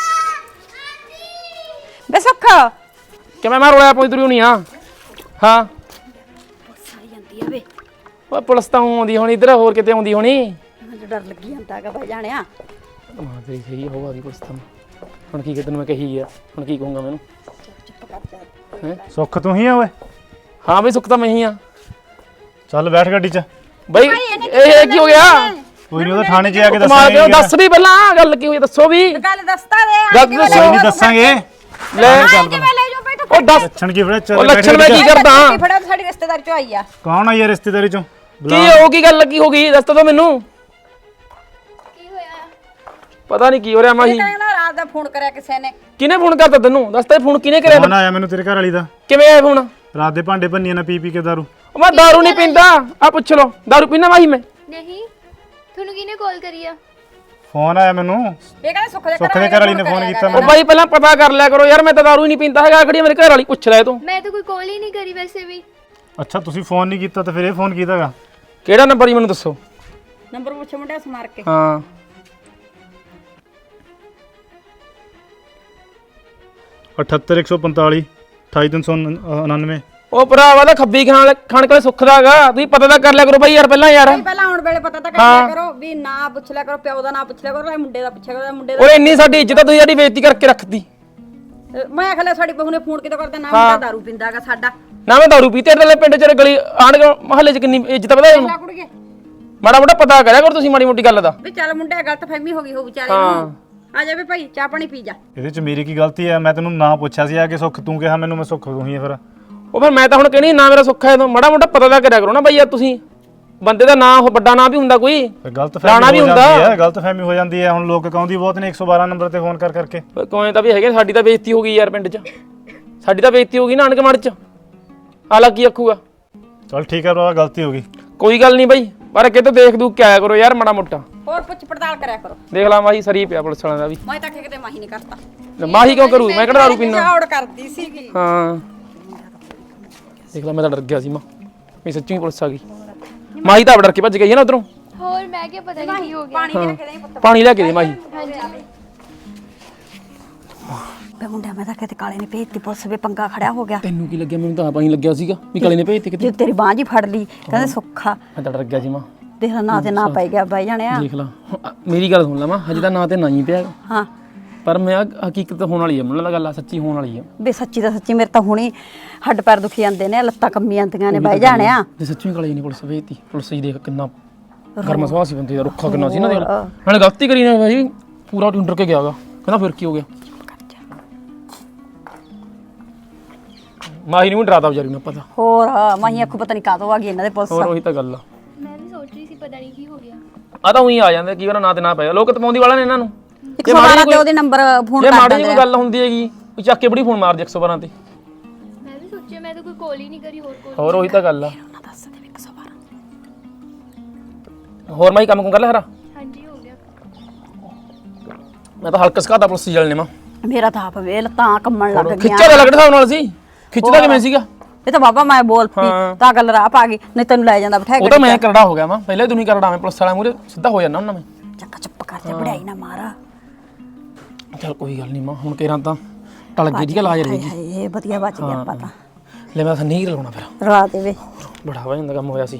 ਬੇ ਸੁੱਖ ਕਿਵੇਂ ਮੈਂ ਰੋਇਆ ਪਈ ਤੁਰੀ ਹੋਣੀ ਆ? ਹਾਂ ਸਾਈ ਜਾਂਦੀ ਆ ਵੇ, ਉਹ ਪੁਲਿਸ ਤਾਂ ਆਉਂਦੀ ਹੋਣੀ ਇੱਧਰ, ਹੋਰ ਕਿਤੇ ਆਉਂਦੀ ਹੋਣੀ। ਮੈਨੂੰ ਡਰ ਲੱਗੀ ਜਾਂਦਾ ਹੈਗਾ ਬਈ ਜਾਣਿਆ। ਮਾਂ ਤੇਰੀ ਸਹੀ ਹੋਵਾ ਦੀ ਪੁਲਿਸ ਤਾਂ। ਹੁਣ ਕੀ ਤੈਨੂੰ ਮੈਂ ਕਹੀ ਆ, ਹੁਣ ਕੀ ਕਹੂੰਗਾ ਮੈਨੂੰ? ਸੁੱਖ ਤੂੰ ਹੀ ਆ ਓਏ? ਹਾਂ ਬਈ ਸੁੱਖ ਤਾਂ ਮੈਂ ਹੀ ਆ। ਚੱਲ ਬੈਠ ਗੱਡੀ 'ਚ। ਬਈ ਇਹ ਕੀ ਹੋ ਗਿਆ? ਕੋਈ ਨਹੀਂ, ਉਹਦਾ ਥਾਣੇ 'ਚ ਆ ਕੇ ਕਮਾਲ ਕਿਉਂ? ਦੱਸ ਵੀ ਪਹਿਲਾਂ ਗੱਲ ਕੀ ਹੋਈ, ਦੱਸੋ ਵੀ। ਗੱਲ ਦੱਸਦਾ ਦੇ ਗੱਲ ਦੱਸੋ। ਕੋਈ ਨਹੀਂ ਦੱਸਾਂਗੇ। ਲੈ ਉਹ ਦੱਸ, ਲੱਛਣ ਕੀ ਫੜਾ? ਉਹ ਚੱਲ ਲੱਛਣ ਮੈਂ ਕੀ ਕਰਦਾ? ਫੜਾ ਸਾਡੀ ਰਿਸ਼ਤੇਦਾਰ ਚੋਂ ਆਈ ਆ। ਕੌਣ ਆਈ ਆ ਰਿਸ਼ਤੇਦਾਰੀ 'ਚੋਂ? ਕੀ ਹੋ ਕੀ ਗੱਲ ਲੱਗੀ ਹੋ ਗਈ, ਦੱਸ ਤਾਂ ਮੈਨੂੰ। ਕੀ ਹੋਇਆ? ਪਤਾ ਨਹੀਂ ਕੀ ਹੋ ਰਿਹਾ ਮਾਹੀ। ਕਹਿੰਦਾ ਰਾਤ ਦਾ ਫੋਨ ਕਰਿਆ ਕਿਸੇ ਨੇ। ਕਿਹਨੇ ਫੋਨ ਕਰਤਾ ਤੈਨੂੰ? ਦੱਸ ਤਾਂ ਫੋਨ ਕਿਹਨੇ ਕਰਿਆ? ਫੋਨ ਆਇਆ ਮੈਨੂੰ ਤੇਰੇ ਘਰ ਵਾਲੀ ਦਾ। ਕਿਵੇਂ ਆਇਆ ਫੋਨ? ਰਾਤ ਦੇ ਭਾਂਡੇ ਭੰਨੀਆਂ ਨਾ ਪੀ ਪੀ ਕੇ ਦਾਰੂ। ਉਹ ਮੈਂ ਦਾਰੂ ਨਹੀਂ ਪੀਂਦਾ, ਆ ਪੁੱਛ ਲੋ। ਦਾਰੂ ਪੀਣਾ ਮਾਹੀ ਮੈਂ? ਨਹੀਂ ਤੁਹਾਨੂੰ ਕਿਹਨੇ ਕਾਲ ਕਰੀ ਆ? ਫੋਨ ਆਇਆ ਮੈਨੂੰ, ਇਹ ਕਹਿੰਦਾ ਸੁੱਖ ਦੇ ਸੁੱਖ ਦੇ ਘਰ ਵਾਲੀ ਨੇ ਫੋਨ ਕੀਤਾ ਉਹ ਮੈਨੂੰ। ਬਾਈ ਪਹਿਲਾਂ ਪਤਾ ਕਰ ਲਿਆ ਕਰੋ ਯਾਰ, ਮੈਂ ਤਾਂ ਦਾਰੂ ਹੀ ਨਹੀਂ ਪੀਂਦਾ ਹੈਗਾ। ਖੜੀ ਮੇਰੇ ਘਰ ਵਾਲੀ ਪੁੱਛ ਲੈ ਤੂੰ। ਮੈਂ ਤਾਂ ਕੋਈ ਕਾਲ ਹੀ ਨਹੀਂ ਕਰੀ ਵੈਸੇ ਵੀ। ਅੱਛਾ ਤੁਸੀਂ ਫੋਨ ਨਹੀਂ ਕੀਤਾ ਤਾਂ ਫਿਰ ਇਹ ਫੋਨ ਕੀਤਾਗਾ? ਕਿਹੜਾ ਨੰਬਰ ਹੀ ਮੈਨੂੰ ਦੱਸੋ। ਨੰਬਰ ਪੁੱਛ ਮੁੰਡਿਆ ਸਮਾਰ ਕੇ। ਹਾਂ ਅਠੱਤਰ ਇੱਕ ਸੌ ਪੰਤਾਲੀ ਅਠਾਈ ਤਿੰਨ ਸੌ ਉਣਾਨਵੇਂ। ਉਹ ਭਰਾਵਾ ਦਾ ਖੱਬੀ ਖਾਣ ਖਾਣ ਕੋਲੇ ਸੁੱਖ ਦਾਗਾ, ਤੁਸੀਂ ਪਤਾ ਤਾਂ ਕਰ ਲਿਆ ਕਰੋ ਬਾਈ ਯਾਰ ਪਹਿਲਾਂ ਯਾਰ। ਪਹਿਲਾਂ ਆਉਣ ਵੇਲੇ ਪਤਾ ਤਾਂ ਕਰ ਲਿਆ ਕਰੋ ਵੀ ਨਾ ਪੁੱਛ ਲਿਆ ਕਰੋ, ਪਿਓ ਦਾ ਨਾ ਪੁੱਛ ਲਿਆ ਕਰੋ, ਇਹ ਮੁੰਡੇ ਦਾ ਪੁੱਛਿਆ ਕਰੋ, ਮੁੰਡੇ ਦਾ। ਓਏ ਇੰਨੀ ਸਾਡੀ ਇੱਜ਼ਤ ਆ, ਤੁਸੀਂ ਸਾਡੀ ਬੇਇੱਜ਼ਤੀ ਕਰਕੇ ਰੱਖਤੀ। ਮੈਂ ਆਖਿਆ ਸਾਡੀ ਬਹੂ ਨੇ ਫੋਨ ਕਿਤੋਂ ਕਰਦਾ, ਨਾ ਮੁੰਡਾ ਦਾਰੂ ਪੀਂਦਾਗਾ ਸਾਡਾ। ਨਾ ਮੈਂ ਦਾਰੂ ਪੀਤੀ ਤੇਰੇ ਪਿੰਡ ਚ ਗਲੀ ਆਂਢ ਮਹੱਲੇ ਚ ਕਿੰਨੀ ਇੱਜ਼ਤ ਪਤਾ ਇਹਨੂੰ। ਕੁੜੀਏ ਮਾੜਾ ਮੋਟਾ ਪਤਾ ਕਰਿਆ ਕਰੋ ਤੁਸੀਂ ਮਾੜੀ ਮੋਟੀ ਗੱਲ ਦਾ। ਵੀ ਚੱਲ ਮੁੰਡੇ ਗਲਤ ਫਹਿਮੀ ਹੋ ਗਈ ਹੋ ਵਿਚਾਰੇ ਨੂੰ। ਆ ਜਾ ਵੀ ਭਾਈ ਚਾਹ ਪਾਣੀ ਪੀ ਜਾ। ਇਹਦੇ ਚ ਮੇਰੀ ਕੀ ਗਲਤੀ ਹੈ? ਮੈਂ ਤੈਨੂੰ ਨਾ ਪੁੱਛਿਆ ਸੀ ਆ ਕਿ ਸੁੱਖ ਤੂੰ ਕਿਹਾ ਮੈਨੂੰ, ਮੈਂ ਸੁੱਖ ਤੂੰ ਹੀ ਹੈ ਫਿਰ। ਉਹ ਫਿਰ ਮੈਂ ਤਾਂ ਹੁਣ ਕਹਿਣੀ ਨਾ ਮੇਰਾ ਸੁੱਖ ਹੈ, ਤਾਂ ਮਾੜਾ ਮੋਟਾ ਪਤਾ ਤਾਂ ਕਰਿਆ ਕਰੋ ਨਾ ਬਾਈ ਯਾਰ ਤੁਸੀਂ। ਬੰਦੇ ਦਾ ਨਾਂ ਉਹ ਵੱਡਾ ਨਾਂ ਵੀ ਹੁੰਦਾ ਕੋਈ, ਗਲਤ ਲਾਣਾ ਵੀ ਫਹਿਮੀ ਹੋ ਹੁੰਦਾ ਜਾਂਦੀ ਹੈ, ਗਲਤ ਫਹਿਮੀ ਹੋ ਜਾਂਦੀ ਹੈ। ਹੁਣ ਲੋਕ ਕਹਿੰਦੀ ਬਹੁਤ ਨੇ ਇੱਕ ਸੌ ਬਾਰਾਂ ਨੰਬਰ ਤੇ ਫੋਨ ਕਰ ਕਰਕੇ। ਕੋਈ ਤਾਂ ਵੀ ਹੈਗੇ, ਸਾਡੀ ਤਾਂ ਬੇਇੱਜ਼ਤੀ ਹੋ ਗਈ ਯਾਰ ਪਿੰਡ 'ਚ, ਸਾਡੀ ਤਾਂ ਬੇਇੱਜ਼ਤੀ ਹੋ ਗਈ ਨਾਨਕ ਮੜ 'ਚ। ਆਲਾ ਕੀ ਆਖੂਗਾ? ਚਲ ਠੀਕ ਹੈ ਭਰਾ, ਗਲਤੀ ਹੋ ਗਈ। ਕੋਈ ਗੱਲ ਨਹੀਂ ਬਾਈ, ਪਰ ਕਿਤੇ ਦੇਖ ਦੂਖ ਕੇ ਆਇਆ ਕਰੋ ਯਾਰ ਮਾੜਾ ਮੋਟਾ। ਹੋਰ ਪੁੱਛ ਪੜਤਾਲ ਕਰਿਆ ਕਰੋ। ਦੇਖ ਲਾ ਮਾਹੀ ਸਰੀ ਪਿਆ ਪੁਲਿਸ ਵਾਲਿਆਂ ਦਾ ਵੀ। ਮੈਂ ਤਾਂ ਕਿਤੇ ਮਾਹੀ ਨਹੀਂ ਕਰਤਾ। ਮਾਹੀ ਕਿਉਂ ਕਰੂ? ਮੈਂ ਕਿਹੜਾ ਦਾਰੂ ਪੀਣਾ। ਔੜ ਕਰਦੀ ਸੀਗੀ। ਹਾਂ ਦੇਖ ਲਾ, ਮੈਂ ਤਾਂ ਡਰ ਗਿਆ ਸੀ ਮਾਂ, ਮੈਂ ਸੱਚੀ ਪੁਲਿਸ ਆ ਗਈ। ਮਾਹੀ ਤਾਂ ਡਰ ਕੇ ਭੱਜ ਗਈ ਹੈ ਨਾ ਉਧਰੋਂ। ਹੋਰ ਮੈਂ ਕਿਹਾ ਪਤਾ ਨਹੀਂ ਕੀ ਹੋ ਗਿਆ। ਪਾਣੀ ਲੈ ਕੇ ਦੇ ਪੁੱਤ। ਪਾਣੀ ਲੈ ਕੇ ਦੇ ਮਾਹੀ। ਹਾਂਜੀ ਬੇ ਮੁੰਡਾ ਮੈਂ ਤਾਂ ਕਿਤੇ ਕਾਲੇ ਨੇ ਭੇਜਤੀ ਪੁਲਿਸ ਵੇ ਪੰਗਾ ਖੜਿਆ ਹੋ ਗਿਆ। ਤੈਨੂੰ ਕੀ ਲੱਗਿਆ? ਮੈਨੂੰ ਤਾਂ ਆਪ ਹੀ ਲੱਗਿਆ ਸੀਗਾ ਵੀ ਕਾਲੇ ਨੇ ਭੇਜਤੇ ਕਿਤੇ। ਜੇ ਤੇਰੀ ਬਾਂਹ ਜੀ ਫੜ ਲਈ ਕਹਿੰਦੇ ਸੁੱਖਾ, ਮੈਂ ਤਾਂ ਡਰ ਗਿਆ ਸੀ ਮਾਂ। ਦੇਖ ਲਾ ਨਾ ਤੇ ਨਾ ਪੈ ਗਿਆ ਬਾਈ ਜਾਣਿਆ। ਦੇਖ ਲਾ ਮੇਰੀ ਗੱਲ ਸੁਣ ਲਾ ਮਾਂ, ਹਜੇ ਤਾਂ ਨਾਂ ਤੇ ਨਾ ਹੀ ਪਿਆ, ਹਾਂ ਪਰ ਮੈਂ ਹਕੀਕਤ ਹੋਣ ਵਾਲੀ ਹੈ, ਮੈਨੂੰ ਲੱਗਦਾ ਗੱਲ ਆ ਸੱਚੀ ਹੋਣ ਵਾਲੀ ਹੈ। ਬੇ ਸੱਚੀ ਤਾਂ ਸੱਚੀ ਮੇਰੇ ਤਾਂ ਹੁਣੀ ਹੱਡ ਪੈਰ ਦੁਖੀ ਜਾਂਦੇ ਨੇ, ਲੱਤਾਂ ਕੰਮੀ ਜਾਂਦੀਆਂ ਨੇ ਬਾਈ ਜਾਣਿਆ। ਜੇ ਸੱਚੀ ਕਾਲੇ ਨੇ ਪੁਲਿਸ ਭੇਜਤੀ, ਪੁਲਿਸ ਹੀ ਦੇਖ ਕਿੰਨਾ ਗਰਮ ਸੁਭਾਅ ਸੀ ਬੰਦੇ ਦਾ, ਰੁੱਖਾ ਕਿੰਨਾ ਸੀ ਨਾ। ਦੇਖ ਨਾਲੇ ਗਲਤੀ ਕਰੀ ਨਾ ਭਾਈ, ਪੂਰਾ ਟੁੰਡਰ ਕੇ ਗਿਆਗਾ, ਕਹਿੰਦਾ ਫਿਰ ਕੀ ਹੋ ਗਿਆ। ਮਾਹੀ ਨੂੰ ਵੀ ਡਰਾਤਾ ਵਿਚਾਰੀ ਨੂੰ ਪਤਾ। ਹੋਰ ਮਾਹੀ ਅੱਖੋਂ ਪਤਾ ਨਹੀਂ ਕਾਹਤੋਂ ਆ ਗਈ ਇਹਨਾਂ ਦੇ ਪੁਲਿਸ। ਹੋਰ ਉਹੀ ਤਾਂ ਗੱਲ ਆ। ਮੈਂ ਵੀ ਸੋਚ ਰਹੀ ਸੀ ਪਤਾ ਨਹੀਂ ਕੀ ਹੋ ਗਿਆ। ਆ ਤਾਂ ਉਹੀ ਆ ਜਾਂਦੇ ਕੀ ਵਾਰ ਨਾ ਤੇ ਨਾ ਪੈ ਲੋਕ ਤਪਾਉਂਦੀ ਵਾਲਾ ਨੇ ਇਹਨਾਂ ਨੂੰ। ਇੱਕ ਸੌ ਬਾਰਾਂ ਤੇ ਉਹਦੇ ਨੰਬਰ ਫੋਨ ਜੇ ਕਰ ਮਾੜੀ ਦਿੰਦੇ ਜਿਹੀ ਕੋਈ ਗੱਲ ਹੁੰਦੀ ਹੈਗੀ ਉਹ ਚੱਕ ਕੇ ਬੜੀ ਫੋਨ ਮਾਰਦੀ ਇੱਕ ਸੌ ਬਾਰਾਂ ਤੇ। ਮੈਂ ਵੀ ਸੋਚਿਆ, ਮੈਂ ਤਾਂ ਕੋਈ ਕਾਲ ਹੀ ਨਹੀਂ ਕਰੀ। ਹੋਰ ਕੋਲ ਹੋਰ ਉਹੀ ਤਾਂ ਗੱਲ ਆ। ਦੱਸ ਦੇ ਇੱਕ ਸੌ ਬਾਰਾਂ। ਹੋਰ ਮਾਈ ਕੰਮ ਕੁਮ ਕਰ ਲੈ ਹਰਾ। ਹਾਂਜੀ ਹੋ ਗਿਆ। ਮੈਂ ਤਾਂ ਹਲਕਾ ਸਕਾਤਾ ਪੁਲਿਸ ਜਲ ਨੇ ਮਾਂ। ਮੇਰਾ ਤਾਂ ਆਪ ਵੇ ਲੱਤਾਂ ਕੰਮਣ ਲੱਗ ਗਈਆਂ। ਖਿੱਚਾ ਤਾਂ ਲੱਗਦਾ ਨਾਲ ਸੀ, ਖਿੱਚਦਾ ਕਿਵੇਂ ਸੀਗਾ? ਇਹ ਤਾਂ ਬਾਬਾ ਮੈਂ ਬੋਲ ਪਈ ਤਾਂ ਗੱਲ ਰਾਹ ਪਾ ਗਈ, ਨਹੀਂ ਤੈਨੂੰ ਲੈ ਜਾਂਦਾ ਬਿਠਾ ਕੇ। ਉਹ ਤਾਂ ਮੈਂ ਕਰੜਾ ਹੋ ਗਿਆ ਮਾਂ, ਪਹਿਲੇ ਤੂੰ ਨਹੀਂ ਕਰੜਾ, ਮੈਂ ਪੁਲਿਸ ਵਾਲਾ ਮੂਰੇ ਸਿੱਧਾ ਹੋ ਜਾਂਦਾ ਉਹਨਾਂ ਮੈਂ। ਚੱਕਾ ਚੁੱਪ ਕਰ ਜਾ, ਬੜਾਈ ਨਾ ਮਾਰਾ। ਚੱਲ ਕੋਈ ਗੱਲ ਨਹੀਂ ਮਾਂ, ਹੁਣ ਕੇਰਾਂ ਤਾਂ ਟਲ ਗਈ ਦੀ ਲਾਜ ਰਹੇਗੀ। ਹਾਏ ਇਹ ਵਧੀਆ ਬਚ ਗਿਆ ਆਪਾਂ ਤਾਂ। ਲੈ ਮੈਂ ਤਾਂ ਨਹੀਂ ਰਲਾਉਣਾ ਫਿਰ, ਰਲਾ ਦੇਵੇ। ਬੜਾ ਵਾ ਜਾਂਦਾ ਕੰਮ ਹੋਇਆ ਸੀ।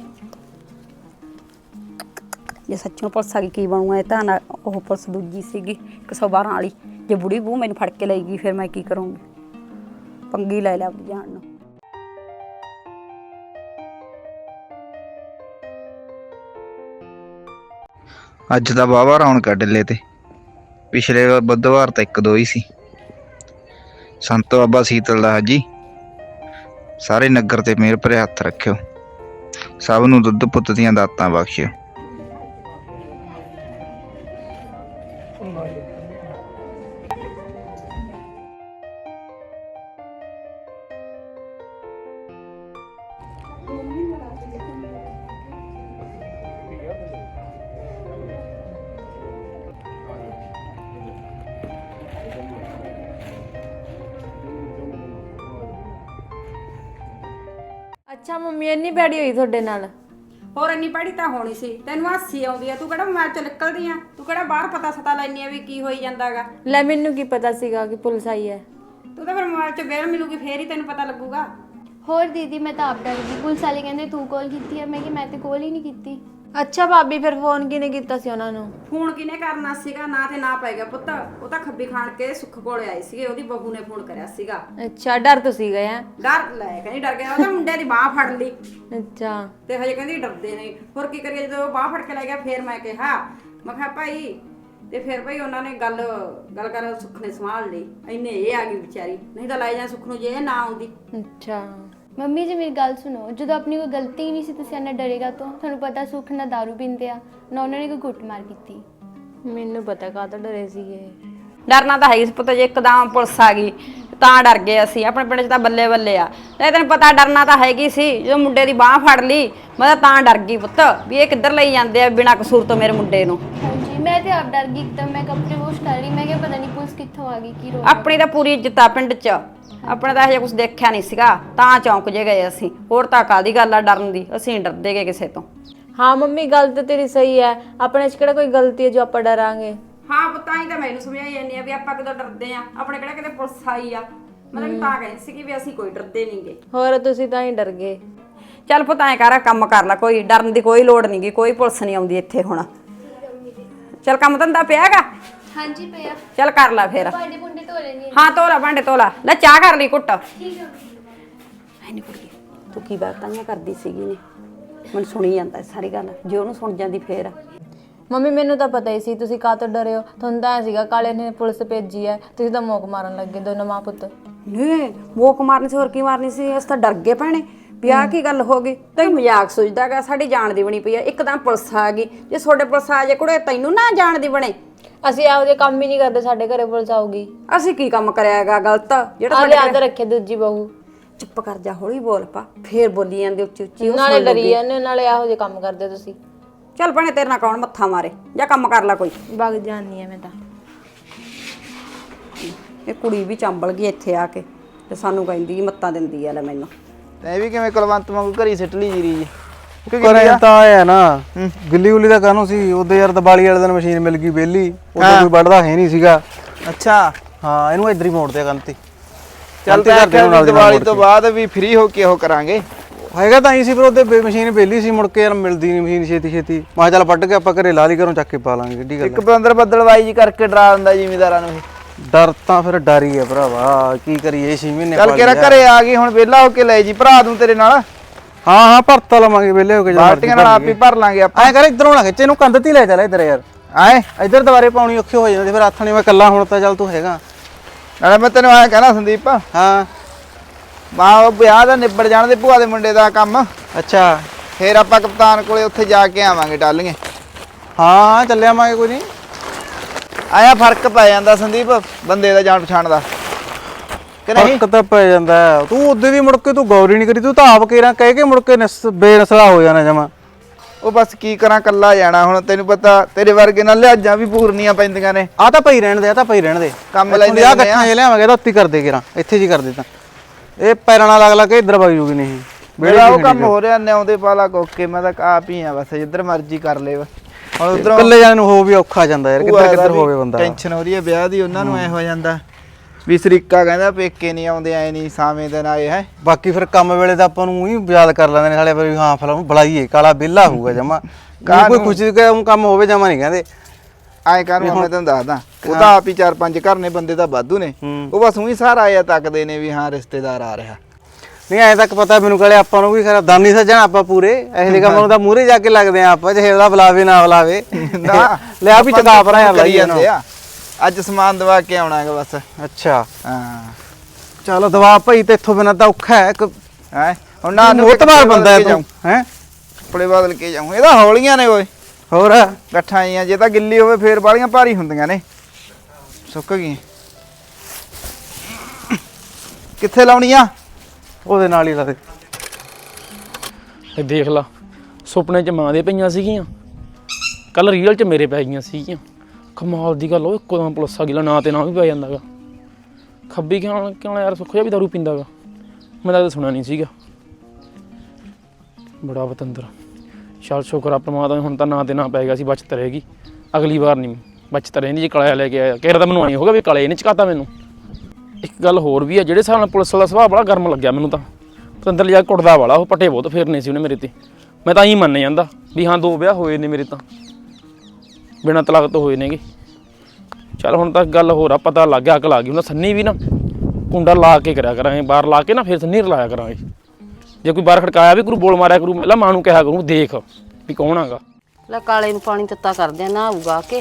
ਜੇ ਸੱਚੋਂ ਪੁਲਿਸ ਆ ਗਈ ਕੀ ਬਣੂਗਾ? ਇਹ ਤਾਂ ਨਾ ਉਹ ਪੁਲਿਸ ਦੂਜੀ ਸੀਗੀ ਇੱਕ ਸੌ ਬਾਰਾਂ ਵਾਲੀ। ਜੇ ਬੁੜੀ ਬੂ ਮੈਨੂੰ ਫੜ ਕੇ ਲੈ ਗਈ ਫਿਰ ਮੈਂ ਕੀ ਕਰੂੰਗੀ? ਪੰਗੀ ਲੈ ਲਿਆ ਆਪਣੀ ਜਾਨ ਨੂੰ। ਅੱਜ ਤਾਂ ਵਾਹਵਾ ਰੌਣਕ ਡੱਲੇ ਤੇ, ਪਿਛਲੇ ਬੁੱਧਵਾਰ ਤਾਂ ਇੱਕ ਦੋ ਹੀ ਸੀ। ਸੰਤ ਬਾਬਾ ਸੀਤਲ ਦਾ ਜੀ ਸਾਰੇ ਨਗਰ ਤੇ ਮਿਹਰ ਭਰੇ ਹੱਥ ਰੱਖਿਓ, ਸਭ ਨੂੰ ਦੁੱਧ ਪੁੱਤ ਦੀਆਂ ਦਾਤਾਂ ਬਖਸ਼ਿਓ। ਅੱਛਾ ਮੰਮੀ ਇੰਨੀ ਭੈੜੀ ਹੋਈ ਤੁਹਾਡੇ ਨਾਲ? ਹੋਰ ਇੰਨੀ ਪੜੀ ਤਾਂ ਹੋਣੀ ਸੀ, ਤੈਨੂੰ ਹਾਸੀ ਆਉਂਦੀ ਆ। ਤੂੰ ਕਿਹੜਾ ਮੋਬਾਈਲ ਚ ਨਿਕਲਦੀ ਆ? ਤੂੰ ਕਿਹੜਾ ਬਾਹਰ ਪਤਾ ਸਤਾ ਲੈਣੀ ਆ ਵੀ ਕੀ ਹੋਈ ਜਾਂਦਾਗਾ? ਲੈ ਮੈਨੂੰ ਕੀ ਪਤਾ ਸੀਗਾ ਕਿ ਪੁਲਿਸ ਆਈ ਹੈ। ਤੂੰ ਤਾਂ ਫਿਰ ਮੋਬਾਈਲ ਚ ਵੇਲ ਮਿਲੂਗੀ ਫੇਰ ਹੀ ਤੈਨੂੰ ਪਤਾ ਲੱਗੂਗਾ। ਹੋਰ ਦੀਦੀ ਮੈਂ ਤਾਂ ਆਪ ਡਰ ਗਈ। ਪੁਲਿਸ ਵਾਲੇ ਕਹਿੰਦੇ ਤੂੰ ਕਾਲ ਕੀਤੀ ਹੈ, ਮੈਂ ਕਿ ਮੈਂ ਤੇ ਕਾਲ ਹੀ ਨਹੀਂ ਕੀਤੀ। ਅੱਛਾ ਭਾਬੀ ਫਿਰ ਫੋਨ ਕਿਹਨੇ ਕੀਤਾ ਸੀ ਉਹਨਾਂ ਨੂੰ? ਫੋਨ ਕਿਹਨੇ ਕਰਨਾ ਸੀਗਾ? ਨਾ ਤੇ ਨਾ ਪੈ ਗਿਆ ਪੁੱਤ। ਉਹ ਤਾਂ ਖੱਬੀ ਖਾਣ ਕੇ ਸੁੱਖ ਕੋਲੇ ਆਏ ਸੀਗੇ, ਉਹਦੀ ਬਹੂ ਨੇ ਫੋਨ ਕਰਿਆ ਸੀਗਾ। ਅੱਛਾ ਡਰ ਤੁਸੀਂ ਗਏ ਆ? ਡਰ ਲੈ ਕਹਿੰਦੀ ਡਰ ਗਿਆ। ਉਹ ਤਾਂ ਮੁੰਡੇ ਦੀ ਬਾਹ ਫੜ ਲਈ ਅੱਛਾ ਤੇ ਹਜੇ ਕਹਿੰਦੀ ਡਰਦੇ ਨੇ। ਹੋਰ ਕੀ ਕਰੀਏ? ਜਦੋਂ ਉਹ ਬਾਹ ਫੜ ਕੇ ਲੈ ਗਿਆ ਫੇਰ ਮੈਂ ਕਿਹਾ ਮੈਂ ਕਿਹਾ ਭਾਈ, ਤੇ ਫਿਰ ਭਾਈ ਉਹਨਾਂ ਨੇ ਗੱਲ ਗੱਲ ਕਰ ਸੁੱਖ ਨੇ ਸੰਭਾਲ ਲਈ। ਇੰਨੇ ਇਹ ਆ ਗਈ ਵਿਚਾਰੀ, ਨਹੀਂ ਤਾਂ ਲੈ ਜਾ ਸੁੱਖ ਨੂੰ ਜੇ ਇਹ ਨਾ ਆਉਂਦੀ। ਅੱਛਾ ਮੰਮੀ ਜੀ ਮੇਰੀ ਗੱਲ ਸੁਣੋ, ਜਦੋਂ ਆਪਣੀ ਕੋਈ ਗਲਤੀ ਹੀ ਨਹੀਂ ਸੀ ਤੁਸੀਂ ਇੰਨਾ ਡਰੇਗਾ ਤੋਂ? ਤੁਹਾਨੂੰ ਪਤਾ ਸੁੱਖ ਨਾ ਦਾਰੂ ਪੀਂਦੇ ਆ ਨਾ ਉਹਨਾਂ ਨੇ ਕੋਈ ਗੁੱਟ ਮਾਰ ਕੀਤੀ। ਮੈਨੂੰ ਪਤਾ ਕਾਹਤੋਂ ਡਰੇ ਸੀਗੇ। ਡਰਨਾ ਤਾਂ ਹੈ ਇਸ ਪੁੱਤ, ਜੇ ਇੱਕਦਮ ਪੁਲਿਸ ਆ ਗਈ ਤਾਂ ਡਰ ਗਏ ਅਸੀਂ। ਆਪਣੇ ਪਿੰਡ 'ਚ ਤਾਂ ਬੱਲੇ ਬੱਲੇ ਆ। ਨਹੀਂ ਤੈਨੂੰ ਪਤਾ ਡਰਨਾ ਤਾਂ ਹੈਗੀ ਸੀ। ਜਦੋਂ ਮੁੰਡੇ ਦੀ ਬਾਹ ਫੜ ਲਈ ਮੈਂ ਤਾਂ ਡਰ ਗਈ ਪੁੱਤ ਵੀ ਇਹ ਕਿੱਧਰ ਲਈ ਜਾਂਦੇ ਆ ਬਿਨਾਂ ਕਸੂਰ ਤੋਂ ਮੇਰੇ ਮੁੰਡੇ ਨੂੰ। ਹਾਂਜੀ ਮੈਂ ਤੇ ਆਪ ਡਰ ਗਈ ਇੱਕਦਮ। ਮੈਂ ਕੱਪੜੇ ਵਾਸ਼ ਕਰ ਰਹੀ, ਮੈਂ ਕਿਹਾ ਪਤਾ ਨਹੀਂ ਪੁਲਿਸ ਕਿੱਥੋਂ ਆ ਗਈ, ਕੀ ਰੋਕ। ਆਪਣੀ ਤਾਂ ਪੂਰੀ ਇੱਜ਼ਤ ਆ ਪਿੰਡ 'ਚ, ਆਪਣੇ ਤਾਂ ਇਹੋ ਕੁਝ ਦੇਖਿਆ ਨਹੀਂ ਸੀਗਾ ਤਾਂ ਚੌਂਕ ਜੇ ਗਏ ਅਸੀਂ। ਹੋਰ ਤਾਂ ਕਾਹਦੀ ਗੱਲ ਆ ਡਰਨ ਦੀ? ਅਸੀਂ ਡਰਦੇ ਗਏ ਕਿਸੇ ਤੋਂ। ਹਾਂ ਮੰਮੀ ਗੱਲ ਤਾਂ ਤੇਰੀ ਸਹੀ ਹੈ, ਆਪਣੇ 'ਚ ਕਿਹੜਾ ਕੋਈ ਗਲਤੀ ਹੈ ਜੋ ਆਪਾਂ ਡਰਾਂਗੇ? ਹਾਂ ਪੁੱਤਾਂ ਹੀ ਤਾਂ ਮੈਨੂੰ ਸਮਝਾਈ ਜਾਂਦੀ ਆ ਵੀ ਆਪਾਂ ਕਿਦੋਂ ਡਰਦੇ ਆ। ਆਪਣੇ ਕਿਹੜਾ ਕਿਤੇ ਪੁਲਿਸ ਆਈ ਆ। ਮੈਂ ਤੈਨੂੰ ਤਾਂ ਕਹਿੰਦੀ ਸੀ ਕਿ ਵੀ ਅਸੀਂ ਕੋਈ ਡਰਦੇ ਨਹੀਂਗੇ। ਹੋਰ ਤੁਸੀਂ ਤਾਂ ਹੀ ਡਰ ਗਏ। ਚੱਲ ਪੁੱਤ ਐ ਕਰ ਕੰਮ ਕਰ ਲੈ, ਕੋਈ ਡਰਨ ਦੀ ਕੋਈ ਲੋੜ ਨਹੀਂਗੀ, ਕੋਈ ਪੁਲਿਸ ਨਹੀਂ ਆਉਂਦੀ ਇੱਥੇ ਹੁਣ। ਚੱਲ ਕੰਮ ਧੰਦਾ ਪਿਆਗਾ? ਹਾਂਜੀ ਪਿਆ। ਚੱਲ ਕਰ ਲੈ ਫੇਰ। ਭਾਂਡੇ ਭੁੰਡੇ ਧੋ ਲੈਣੀ। ਹਾਂ ਧੋ ਲੈ ਭਾਂਡੇ ਧੋ ਲੈ। ਲੈ ਚਾਹ ਕਰ ਲਈ ਘੁੱਟ। ਠੀਕ ਹੈ। ਐ ਨਹੀਂ ਕੁੜੀ ਤੂੰ ਕੀ ਬਾਤਾਂ ਕਰਦੀ ਸੀਗੀ ਨੇ, ਮੈਨੂੰ ਸੁਣੀ ਜਾਂਦਾ ਸਾਰੀ ਗੱਲ। ਜੇ ਉਹਨੂੰ ਸੁਣ ਜਾਂਦੀ ਫੇਰ। ਮੰਮੀ ਮੈਨੂੰ ਤਾਂ ਪਤਾ ਹੀ ਸੀ ਤੁਸੀਂ ਕਾਹ ਤੋਂ ਡਰੇ ਹੋ। ਤੁਹਾਨੂੰ ਤਾਂ ਐ ਸੀਗਾ ਕਾਲੇ ਨੇ ਪੁਲਿਸ ਭੇਜੀ ਹੈ, ਤੁਸੀਂ ਤਾਂ ਮੋਕ ਮਾਰਨ ਲੱਗੇ ਦੋਨੋਂ ਮਾਂ ਪੁੱਤ। ਨਹੀਂ ਮੋਕ ਮਾਰਨੀ ਸੀ, ਹੋਰ ਕੀ ਮਾਰਨੀ ਸੀ? ਅਸੀਂ ਤਾਂ ਡਰ ਗਏ ਭੈਣੇ ਵੀ ਆਹ ਕੀ ਗੱਲ ਹੋ ਗਈ। ਤੈਨੂੰ ਮਜ਼ਾਕ ਸੋਚਦਾਗਾ, ਸਾਡੀ ਜਾਣ ਦੀ ਬਣੀ ਪਈ ਆ। ਇੱਕਦਮ ਪੁਲਿਸ ਆ ਗਈ, ਜੇ ਤੁਹਾਡੇ ਪੁਲਿਸ ਆ ਜੇ ਕੁੜੇ ਤੈਨੂੰ ਨਾ ਜਾਣ ਦੀ ਬਣੇ। ਅਸੀਂ ਇਹੋ ਜਿਹੇ ਕੰਮ ਹੀ ਨਹੀਂ ਕਰਦੇ, ਸਾਡੇ ਘਰੇ ਪੁਲਿਸ ਆਊਗੀ। ਅਸੀਂ ਕੀ ਕੰਮ ਕਰਿਆਗਾ ਗਲਤ ਜਿਹੜਾ ਆ ਲਿਆ ਕੇ ਰੱਖੇ ਦੂਜੀ ਬਹੂ। ਚੁੱਪ ਕਰ ਜਾ, ਹੌਲੀ ਬੋਲ ਪਾ। ਫੇਰ ਬੋਲੀ ਜਾਂਦੇ ਉੱਚੀ ਉੱਚੀ। ਨਾਲੇ ਡਰੀ ਜਾਂਦੇ, ਨਾਲੇ ਇਹੋ ਜਿਹੇ ਕੰਮ ਕਰਦੇ ਤੁਸੀਂ। ਚੱਲ ਭੈਣੇ ਤੇਰੇ ਨਾਲ ਕੌਣ ਮੱਥਾ ਮਾਰੇ, ਜਾਂ ਕੰਮ ਕਰ ਲੈ ਕੋਈ। ਵਗ ਜਾਂਦੀ ਆ ਮੈਂ ਤਾਂ। ਇਹ ਕੁੜੀ ਵੀ ਚੰਬਲ ਗਈ ਇੱਥੇ ਆ ਕੇ ਤੇ ਸਾਨੂੰ ਕਹਿੰਦੀ ਮੱਤਾਂ ਦਿੰਦੀ ਆ ਲੈ ਮੈਨੂੰ। ਤੈਂ ਵੀ ਕਿਵੇਂ ਕੁਲਵੰਤ ਵਾਂਗੂ ਘਰੀ ਸਿੱਟ ਲਈ ਜੀਰੀ ਜੀ? ਕਰੇ ਤਾਂ ਆਇਆ ਨਾ ਗਿੱਲੀ ਗੁੱਲੀ ਦਾ ਕਾਹਨੂੰ ਸੀ ਉਹਦੇ ਯਾਰ ਦੀਵਾਲੀ ਵਾਲੇ ਦਿਨ ਮਸ਼ੀਨ ਮਿਲ ਗਈ ਵਿਹਲੀ, ਉਦੋਂ ਕੋਈ ਵੱਢਦਾ ਹੈ ਨਹੀਂ ਸੀਗਾ। ਅੱਛਾ ਹਾਂ ਇਹਨੂੰ ਇੱਧਰ ਹੀ ਮੋੜ ਦਿਆ ਕੰਨ ਤੇ। ਚੱਲ ਤੇ ਦੀਵਾਲੀ ਤੋਂ ਬਾਅਦ ਵੀ ਫ੍ਰੀ ਹੋ ਕੇ ਉਹ ਕਰਾਂਗੇ। ਹੈਗਾ ਤਾਂ ਹੀ ਸੀ, ਪਰ ਉਹਦੇ ਮਸ਼ੀਨ ਵਿਹਲੀ ਸੀ, ਮੁੜ ਕੇ ਯਾਰ ਮਿਲਦੀ ਨਹੀਂ ਮਸ਼ੀਨ ਛੇਤੀ ਛੇਤੀ। ਮੈਂ ਕਿਹਾ ਚੱਲ ਵੱਢ ਕੇ ਆਪਾਂ ਘਰੇ ਲਾ ਲਈ, ਘਰੋਂ ਚੱਕ ਕੇ ਪਾ ਲਾਂਗੇ। ਕਿੱਡੀ ਗੱਲ ਇੱਕ ਬੰਦਰ ਬੱਦਲਵਾਈ ਜੀ ਕਰਕੇ ਡਰਾ ਦਿੰਦਾ ਜ਼ਿਮੀਦਾਰਾਂ ਨੂੰ। ਡਰ ਤਾਂ ਫਿਰ ਡਰ ਹੀ ਹੈ ਭਰਾਵਾ, ਕੀ ਕਰੀਏ। ਛੇ ਮਹੀਨੇ ਚੱਲ ਕਿਹੜਾ ਘਰੇ ਆ ਗਈ ਹੁਣ, ਵਿਹਲਾ ਹੋ ਕੇ ਲੈ ਜੀ ਭਰਾ ਦੂੰ ਤੇਰੇ ਨਾਲ। ਹਾਂ ਹਾਂ ਭਰਤਾ ਲਵਾਂਗੇ ਵਿਹਲੇ ਹੋ ਕੇ। ਬਾਲਟੀਆਂ ਨਾਲ ਆਪ ਹੀ ਭਰ ਲਾਂਗੇ ਆਪਾਂ। ਐ ਕਰ ਇਧਰੋਂ ਨਾ ਖਿੱਚੇ, ਇਹਨੂੰ ਕੰਧ ਤੇ ਲੈ ਚੱਲ ਇੱਧਰ ਯਾਰ। ਆਏ ਇੱਧਰ ਦੁਬਾਰੇ ਪਾਉਣੀ ਔਖੀ ਹੋ ਜਾਂਦੀ, ਫਿਰ ਹੱਥ ਨਹੀਂ। ਮੈਂ ਇਕੱਲਾ ਹੁਣ ਤਾਂ ਚੱਲ ਤੂੰ ਹੈਗਾ। ਨਾਲੇ ਮੈਂ ਤੈਨੂੰ ਐਂ ਕਹਿਣਾ ਸੰਦੀਪ, ਹਾਂ ਮਾਂ ਉਹ ਵਿਆਹ ਦਾ ਨਿਬੜ ਜਾਣ ਦੇ ਭੂਆ ਦੇ ਮੁੰਡੇ ਦਾ ਕੰਮ। ਅੱਛਾ ਫੇਰ ਆਪਾਂ ਕਪਤਾਨ ਕੋਲੇ ਉੱਥੇ ਜਾ ਕੇ ਆਵਾਂਗੇ ਟਾਲੀਏ। ਹਾਂ ਚੱਲਿਆ ਆਵਾਂਗੇ, ਕੋਈ ਨਹੀਂ। ਆਇਆ ਫਰਕ ਪੈ ਜਾਂਦਾ ਸੰਦੀਪ ਬੰਦੇ ਦਾ ਜਾਣ ਪਛਾਣ ਦਾ ਕਿ ਨਹੀਂ? ਫਰਕ ਤਾਂ ਪੈ ਜਾਂਦਾ। ਤੂੰ ਉਦੋਂ ਦੀ ਮੁੜ ਕੇ ਤੂੰ ਗੌਰ ਹੀ ਨਹੀਂ ਕਰੀ, ਤੂੰ ਤਾਂ ਆਪ ਕੇਰਾ ਕਹਿ ਕੇ ਮੁੜ ਕੇ ਨਸ ਬੇਨਸਲਾ ਹੋ ਜਾਣਾ ਜਮਾ। ਉਹ ਬਸ ਕੀ ਕਰਾਂ, ਕੱਲਾ ਜਾਣਾ ਹੁਣ। ਤੈਨੂੰ ਪਤਾ ਤੇਰੇ ਵਰਗੇ ਨਾਲ ਲਿਹਾਜ਼ਾਂ ਵੀ ਪੂਰਨੀਆਂ ਪੈਂਦੀਆਂ ਨੇ। ਆ ਤਾਂ ਪਈ ਰਹਿਣ ਦੇ, ਆ ਤਾਂ ਪਈ ਰਹਿਣ ਦੇ। ਕੰਮ ਲੈਂਦੇ ਆ ਗੱਠਾਂ ਜੇ ਲਿਆਵਾਂਗੇ ਤਾਂ ਉੱਤੀ ਕਰਦੇ ਕੇਰਾ, ਇੱਥੇ ਜੀ ਕਰਦੇ ਤਾਂ ਇਹ ਪੈਰਾਂ ਨਾਲ ਅਗਲਾ ਕੇ ਇੱਧਰ ਵਗ ਜੂਗੀ। ਨਹੀਂ ਮੇਰਾ ਉਹ ਕੰਮ ਹੋ ਰਿਹਾ ਨਿਆਉਂਦੇ ਪਾਲਾ ਕੋਕੇ। ਮੈਂ ਤਾਂ ਆਪ ਹੀ ਆ ਬਸ, ਜਿੱਧਰ ਮਰਜ਼ੀ ਕਰ ਲੈ। ਹੁਣ ਉਧਰੋਂ ਇਕੱਲੇ ਜਾਣੇ ਨੂੰ ਹੋ ਵੀ ਔਖਾ ਜਾਂਦਾ ਯਾਰ, ਕਿੱਧਰ ਕਿੱਧਰ ਹੋਵੇ ਬੰਦਾ। ਟੈਨਸ਼ਨ ਹੋ ਰਹੀ ਹੈ ਵਿਆਹ ਦੀ, ਉਹਨਾਂ ਨੂੰ ਐ ਹੋ ਜਾਂਦਾ ਵੀ ਸਰੀਕਾ ਕਹਿੰਦਾ ਪੇਕੇ ਨਹੀਂ ਆਉਂਦੇ, ਐ ਨਹੀਂ ਸਾਵੇਂ ਦਿਨ ਆਏ ਹੈ। ਬਾਕੀ ਫਿਰ ਕੰਮ ਵੇਲੇ ਤਾਂ ਆਪਾਂ ਨੂੰ ਹੀ ਯਾਦ ਕਰ ਲੈਂਦੇ ਨੇ ਸਾਲੇ, ਵੀ ਹਾਂ ਫਿਲਮ ਬੁਲਾਈਏ, ਕਾਲਾ ਵਿਹਲਾ ਹੋਊਗਾ ਜਮਾ। ਕੋਈ ਖੁਸ਼ੀ ਦਾ ਕੰਮ ਹੋਵੇ ਜਮਾ ਨਹੀਂ ਕਹਿੰਦੇ। ਐਂ ਕਰ ਮੈਂ ਤੈਨੂੰ ਦੱਸਦਾ, ਉਹ ਤਾਂ ਆਪ ਹੀ ਚਾਰ ਪੰਜ ਘਰ ਨੇ, ਬੰਦੇ ਤਾਂ ਵਾਧੂ ਨੇ। ਉਹ ਬਸ ਉਹੀ ਸਾਰਾ ਆਇਆ ਤੱਕਦੇ ਨੇ ਵੀ ਹਾਂ ਰਿਸ਼ਤੇਦਾਰ ਆ ਰਿਹਾ। ਨਹੀਂ ਐ ਤੱਕ ਪਤਾ ਮੈਨੂੰ ਕਹਲੇ ਆਪਾਂ ਨੂੰ ਵੀ ਖਰਾ ਦਾਨੀ ਸੱਜਣ ਆਪਾਂ ਪੂਰੇ ਇਹੋ ਜਿਹੇ ਕੰਮਾਂ ਨੂੰ ਤਾਂ ਮੂਹਰੇ ਜਾ ਕੇ ਲੱਗਦੇ ਆ ਆਪਾਂ, ਜੇ ਉਹਦਾ ਬੁਲਾਵੇ ਨਾ ਬੁਲਾਵੇ। ਲਿਆ ਵੀ ਚਕਾ ਭਰਾਇਆ ਕਰੀ ਜਾਂਦੇ ਆ। ਅੱਜ ਸਮਾਨ ਦਵਾ ਕੇ ਆਉਣਾ ਹੈਗਾ ਬਸ। ਅੱਛਾ ਹਾਂ ਚਲੋ ਦਵਾ ਭਾਈ, ਤੇ ਇੱਥੋਂ ਬਿਨਾਂ ਤਾਂ ਔਖਾ ਹੈ। ਹੈ ਹੁਣ ਨਾ ਮੋਤਬਾਰ ਬੰਦਾ ਹੈ ਤੂੰ ਹੈ। ਕੱਪੜੇ ਬਦਲ ਕੇ ਜਾਉਂ, ਇਹਦਾ ਹੌਲੀਆਂ ਨੇ ਓਏ। ਹੋਰ ਗੱਠਾਂ ਆਈਆਂ, ਜੇ ਤਾਂ ਗਿੱਲੀ ਹੋਵੇ ਫੇਰ ਬਾਲੀਆਂ ਭਾਰੀ ਹੁੰਦੀਆਂ ਨੇ। ਸੁੱਕ ਗਈ ਕਿੱਥੇ ਲਾਉਣੀ ਆ? ਉਹਦੇ ਨਾਲ ਹੀ ਲਾ ਦੇ। ਇਹ ਦੇਖ ਲਾ, ਸੁਪਨੇ 'ਚ ਮਾਂ ਦੇ ਪਈਆਂ ਸੀਗੀਆਂ, ਕੱਲ ਰੀਅਲ 'ਚ ਮੇਰੇ ਪੈ ਗਈਆਂ ਸੀਗੀਆਂ। ਕਮਾਲ ਦੀ ਗੱਲ, ਉਹ ਇੱਕੋ ਦਮ ਪੁਲਿਸ ਆ ਗਈ, ਨਾ ਤੇ ਨਾ ਵੀ ਪੈ ਜਾਂਦਾ ਗਾ। ਖੱਬੀ ਕਿਉਂ ਕਿਉਂ ਯਾਰ, ਸੁੱਖ ਜਿਹਾ ਵੀ ਦਾਰੂ ਪੀਂਦਾ ਗਾ। ਮੈਂ ਤਾਂ ਸੁਣਿਆ ਨਹੀਂ ਸੀਗਾ। ਬੜਾ ਪਤੰਦਰ। ਚੱਲ ਸ਼ੁਕਰ ਆ ਪ੍ਰਮਾਤਮਾ, ਹੁਣ ਤਾਂ ਨਾ ਤੇ ਨਾ ਪੈ ਗਿਆ ਸੀ, ਬਚਤ ਰਹੇਗੀ। ਅਗਲੀ ਵਾਰ ਨਹੀਂ ਬਚਤ ਰਹਿੰਦੀ ਜੇ ਕਲਾ ਲੈ ਕੇ ਆਇਆ। ਕਹਿ ਤਾਂ ਮੈਨੂੰ ਆਈ ਹੋਗਾ ਵੀ ਕਲੇ ਇਹਨੇ ਚਕਾਤਾ ਮੈਨੂੰ। ਇੱਕ ਗੱਲ ਹੋਰ ਵੀ ਆ, ਜਿਹੜੇ ਹਿਸਾਬ ਨਾਲ ਪੁਲਿਸ ਵਾਲਾ ਸੁਭਾਅ ਬੜਾ ਗਰਮ ਲੱਗਿਆ ਮੈਨੂੰ ਤਾਂ। ਪਤੰਦਰ ਜਾ ਕੁੱਟਦਾ ਵਾਲਾ, ਉਹ ਪੱਟੇ ਬਹੁਤ ਫੇਰਨੇ ਸੀ ਉਹਨੇ ਮੇਰੇ ਤੇ। ਮੈਂ ਤਾਂ ਹੀ ਮੰਨ ਜਾਂਦਾ ਵੀ ਹਾਂ ਦੋ ਵਿਆਹ ਹੋਏ ਨੇ ਮੇਰੇ ਤਾਂ, ਬਿਨਾਂ ਤਲਾਕ ਤੋਂ ਹੋਏ ਨੇਗੇ। ਚੱਲ ਹੁਣ ਤਾਂ ਗੱਲ ਹੋਰ ਆ, ਪਤਾ ਲੱਗ ਗਿਆ, ਅਕਲ ਆ ਗਈ। ਹੁਣ ਸੰਨੀ ਵੀ ਨਾ ਕੁੰਡਾ ਲਾ ਕੇ ਕਰਿਆ ਕਰਾਂਗੇ, ਬਾਹਰ ਲਾ ਕੇ ਨਾ ਫਿਰ ਸੰਨੀ ਰਲਾਇਆ ਕਰਾਂਗੇ। ਜੇ ਕੋਈ ਬਾਹਰ ਖੜਕਾਇਆ ਵੀ ਕਰੂ, ਬੋਲ ਮਾਰਿਆ ਕਰੂ, ਪਹਿਲਾਂ ਮਾਂ ਨੂੰ ਕਿਹਾ ਕਰੂ ਦੇਖ ਵੀ ਕੌਣ ਆਗਾ। ਲੈ ਕਾਲੇ ਨੂੰ ਪਾਣੀ ਤੱਤਾ ਕਰਦੇ ਆ, ਨਾ ਆਊਗਾ ਕੇ।